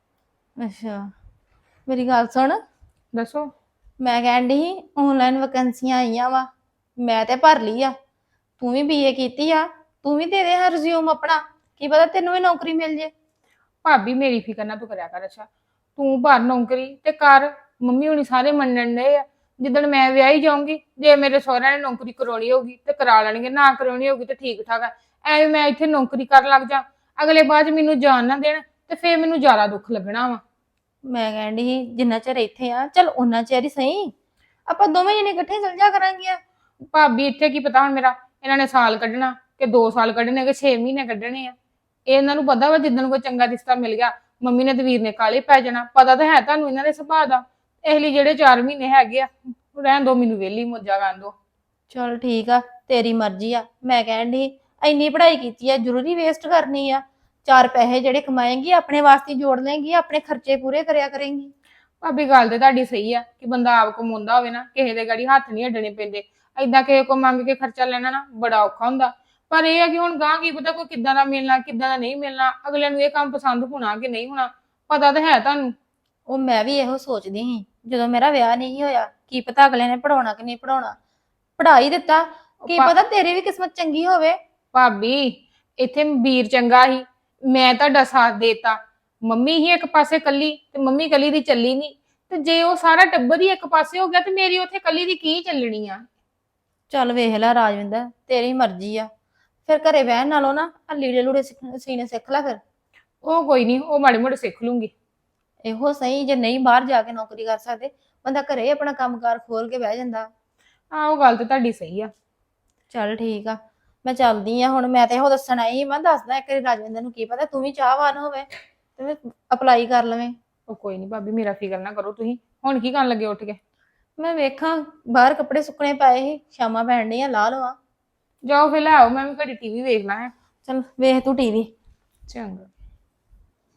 ਅੱਛਾ, ਮੇਰੀ ਗੱਲ ਸੁਣ। ਦੱਸੋ। ਮੈਂ ਕਹਿਣ ਡਈ ਸੀ ਆਨਲਾਈਨ ਵੈਕੈਂਸੀਆਂ ਆਈਆਂ ਵਾ, ਮੈਂ ਤੇ ਭਰ ਲਈ ਆ। ਤੂੰ ਵੀ ਬੀਏ ਕੀਤੀ ਆ, ਤੂੰ ਵੀ ਦੇ ਦੇ ਹਾਂ ਰਿਜ਼ਿਊਮ ਆਪਣਾ, ਕੀ ਪਤਾ ਤੈਨੂੰ ਵੀ ਨੌਕਰੀ ਮਿਲ ਜੇ। ਭਾਬੀ ਮੇਰੀ ਫਿਕਰ ਨਾ ਤੂੰ ਕਰਿਆ ਕਰ। ਅੱਛਾ ਤੂੰ ਭਰ ਨੌਕਰੀ ਤੇ ਕਰ, ਮੰਮੀ ਹੁਣੀ ਸਾਰੇ ਮੰਨਣ ਡਏ ਆ। ਜਿੱਦਣ ਮੈਂ ਵਿਆਹੀ ਜਾਊਂਗੀ, ਜੇ ਮੇਰੇ ਸਹੁਰਿਆਂ ਨੇ ਨੌਕਰੀ ਕਰਾਉਣੀ ਹੋਊਗੀ ਤੇ ਕਰਾ ਲੈਣਗੇ, ਨਾ ਕਰਾਉਣੀ ਹੋਊਗੀ ਤੇ ਠੀਕ ਠਾਕ ਆ। ਐਵੇਂ ਮੈਂ ਇੱਥੇ ਨੌਕਰੀ ਕਰਨ ਲੱਗ ਜਾ, ਅਗਲੇ ਬਾਅਦ ਚ ਮੈਨੂੰ ਜਾਣ ਨਾ ਦੇਣ ਤੇ ਫੇਰ ਮੈਨੂੰ ਜ਼ਿਆਦਾ ਦੁੱਖ ਲੱਗਣਾ ਵਾ। ਮੈਂ ਕਹਿਣ ਡਈ ਸੀ ਜਿੰਨਾ ਚਿਰ ਇੱਥੇ ਆ, ਚਲ ਉਹਨਾਂ ਚਿਰ ਹੀ ਸਹੀ, ਆਪਾਂ ਦੋਵੇਂ ਜਣੇ ਇਕੱਠੇ ਚੱਲ ਜਾ ਕਰਾਂਗੀਆਂ। ਭਾਬੀ ਇੱਥੇ ਕੀ ਪਤਾ ਹੁਣ ਮੇਰਾ, ਇਹਨਾਂ ਨੇ ਸਾਲ ਕੱਢਣਾ ਕਿ 2 ਸਾਲ ਕੱਢਣੇ ਕਿ 6 ਮਹੀਨੇ ਕੱਢਣੇ ਆ। ਇਹਨਾਂ ਨੂੰ ਪਤਾ ਵਾ ਜਿੱਦਣ ਕੋਈ ਚੰਗਾ ਰਿਸ਼ਤਾ ਮਿਲ ਗਿਆ, ਮੰਮੀ ਨੇ ਤੇ ਵੀਰ ਨੇ ਕਾਲੇ ਪੈ ਜਾਣਾ। ਪਤਾ ਤਾਂ ਹੈ ਤੁਹਾਨੂੰ ਇਹਨਾਂ ਦੇ ਸੁਭਾਅ ਦਾ। ਇਸ ਲਈ ਜਿਹੜੇ 4 ਮਹੀਨੇ ਹੈਗੇ ਆ ਰਹਿਣ ਦੋ, ਮੈਨੂੰ ਵਿਹਲੀ ਮੋਜਾ ਕਰਨ ਦੋ। ਚਲ ਠੀਕ ਆ, ਤੇਰੀ ਮਰਜ਼ੀ ਆ। ਮੈਂ ਕਹਿਣ ਡਈ ਇੰਨੀ ਪੜ੍ਹਾਈ ਕੀਤੀ ਆ, ਜ਼ਰੂਰੀ ਵੇਸਟ ਕਰਨੀ ਆ? 4 ਪੈਸੇ ਜਿਹੜੇ ਕਮਾਏਂਗੀ ਆਪਣੇ ਵਾਸਤੇ ਜੋੜ ਲੇਂਗੀ, ਆਪਣੇ ਖਰਚੇ ਪੂਰੇ ਕਰਿਆ ਕਰੇਂਗੀ। ਭਾਬੀ ਗੱਲ ਤੇ ਤੁਹਾਡੀ ਸਹੀ ਆ ਕਿ ਬੰਦਾ ਆਪ ਕਮਾਉਂਦਾ ਹੋਵੇ ਨਾ, ਕਿਸੇ ਦੇ ਗਾੜੀ ਹੱਥ ਨਹੀਂ ਅੱਡਣੇ ਪੈਂਦੇ। ਏਦਾਂ ਕਿਸੇ ਕੋ ਮੰਗ ਕੇ ਖਰਚਾ ਲੈਣਾ ਨਾ ਬੜਾ ਔਖਾ ਹੁੰਦਾ। ਪਰ ਇਹ ਆ ਕਿ ਹੁਣ ਗਾਂ ਕੀ ਪਤਾ ਕੋਈ ਕਿੱਦਾਂ ਦਾ ਮਿਲਣਾ, ਕਿੱਦਾਂ ਦਾ ਨਹੀਂ ਮਿਲਣਾ, ਅਗਲੇ ਨੂੰ ਇਹ ਕੰਮ ਪਸੰਦ ਹੋਣਾ ਕਿ ਨਹੀਂ ਹੋਣਾ, ਪਤਾ ਤਾਂ ਹੈ ਤੁਹਾਨੂੰ। ਉਹ ਮੈਂ ਵੀ ਇਹੋ ਸੋਚਦੀ ਸੀ ਜਦੋਂ ਮੇਰਾ ਵਿਆਹ ਨਹੀਂ ਹੋਇਆ, ਕੀ ਪਤਾ ਅਗਲੇ ਨੇ ਪੜਾਉਣਾ ਕਿ ਨਹੀਂ ਪੜਾਉਣਾ। ਪੜ੍ਹਾ ਹੀ ਦਿੱਤਾ, ਕੀ ਪਤਾ ਤੇਰੀ ਵੀ ਕਿਸਮਤ ਚੰਗੀ ਹੋਵੇ। ਭਾਬੀ ਇੱਥੇ ਵੀਰ ਚੰਗਾ ਸੀ, ਮੈਂ ਤੁਹਾਡਾ ਸਾਥ ਦੇਤਾ। ਮੰਮੀ ਹੀ ਇੱਕ ਪਾਸੇ ਕੱਲੀ ਤੇ ਮੰਮੀ ਕੱਲੀ ਦੀ ਚੱਲੀ ਨਹੀਂ, ਤੇ ਜੇ ਉਹ ਸਾਰਾ ਟੱਬਰ ਹੀ ਇੱਕ ਪਾਸੇ ਹੋ ਗਿਆ ਤੇ ਮੇਰੀ ਉੱਥੇ ਕੱਲੀ ਦੀ ਕੀ ਚੱਲਣੀ ਆ। ਚੱਲ ਵੇਖ ਲੈ ਰਾਜਵਿੰਦਰ, ਤੇਰੀ ਮਰਜ਼ੀ ਆ। ਫਿਰ ਘਰੇ ਬਹਿਣ ਨਾਲੋਂ ਨਾ ਆ ਲੀੜੇ ਲੂੜੇ ਸੀਨੇ ਸਿੱਖ ਲੈ ਫਿਰ। ਉਹ ਕੋਈ ਨਹੀਂ, ਉਹ ਮਾੜੇ ਮੋੜੇ ਸਿੱਖ ਲੂੰਗੀ। ਇਹੋ ਸਹੀ, ਜੇ ਨਹੀਂ ਬਾਹਰ ਜਾ ਕੇ ਨੌਕਰੀ ਕਰ ਸਕਦੇ, ਬੰਦਾ ਘਰੇ ਆਪਣਾ ਕੰਮਕਾਰ ਖੋਲ ਕੇ ਬਹਿ ਜਾਂਦਾ। ਆਹ ਉਹ ਗੱਲ ਤੇ ਤੁਹਾਡੀ ਸਹੀ ਆ। ਚੱਲ ਠੀਕ ਆ, ਮੈਂ ਚੱਲਦੀ ਆ ਹੁਣ। ਮੈਂ ਤੇ ਇਹੋ ਦੱਸਣ ਆਈ, ਮੈਂ ਦੱਸਦਾ ਇੱਕ ਵਾਰੀ ਰਾਜਵਿੰਦਰ ਨੂੰ, ਕੀ ਪਤਾ ਤੂੰ ਵੀ ਚਾਹਵਾਨ ਹੋਵੇ ਤੇ ਅਪਲਾਈ ਕਰ ਲਵੇਂ। ਉਹ ਕੋਈ ਨਹੀਂ ਭਾਬੀ, ਮੇਰਾ ਫਿਕਰ ਨਾ ਕਰੋ ਤੁਸੀਂ। ਹੁਣ ਕੀ ਕਰਨ ਲੱਗੇ ਉੱਠ ਕੇ? ਮੈਂ ਵੇਖਾਂ ਬਾਹਰ ਕੱਪੜੇ ਸੁੱਕਣੇ ਪਏ ਸੀ, ਸ਼ਾਮਾਂ ਪੈਣ ਡੀਆਂ, ਲਾ ਲਵਾਂ। ਜਾਓ ਫਿਰ ਲੈ ਆਓ, ਮੈਂ ਵੀ ਘੜੀ ਟੀਵੀ ਵੇਖ ਲਾਂ। ਚੱਲ ਵੇਖ ਤੂੰ ਟੀਵੀ। ਚੰਗਾ।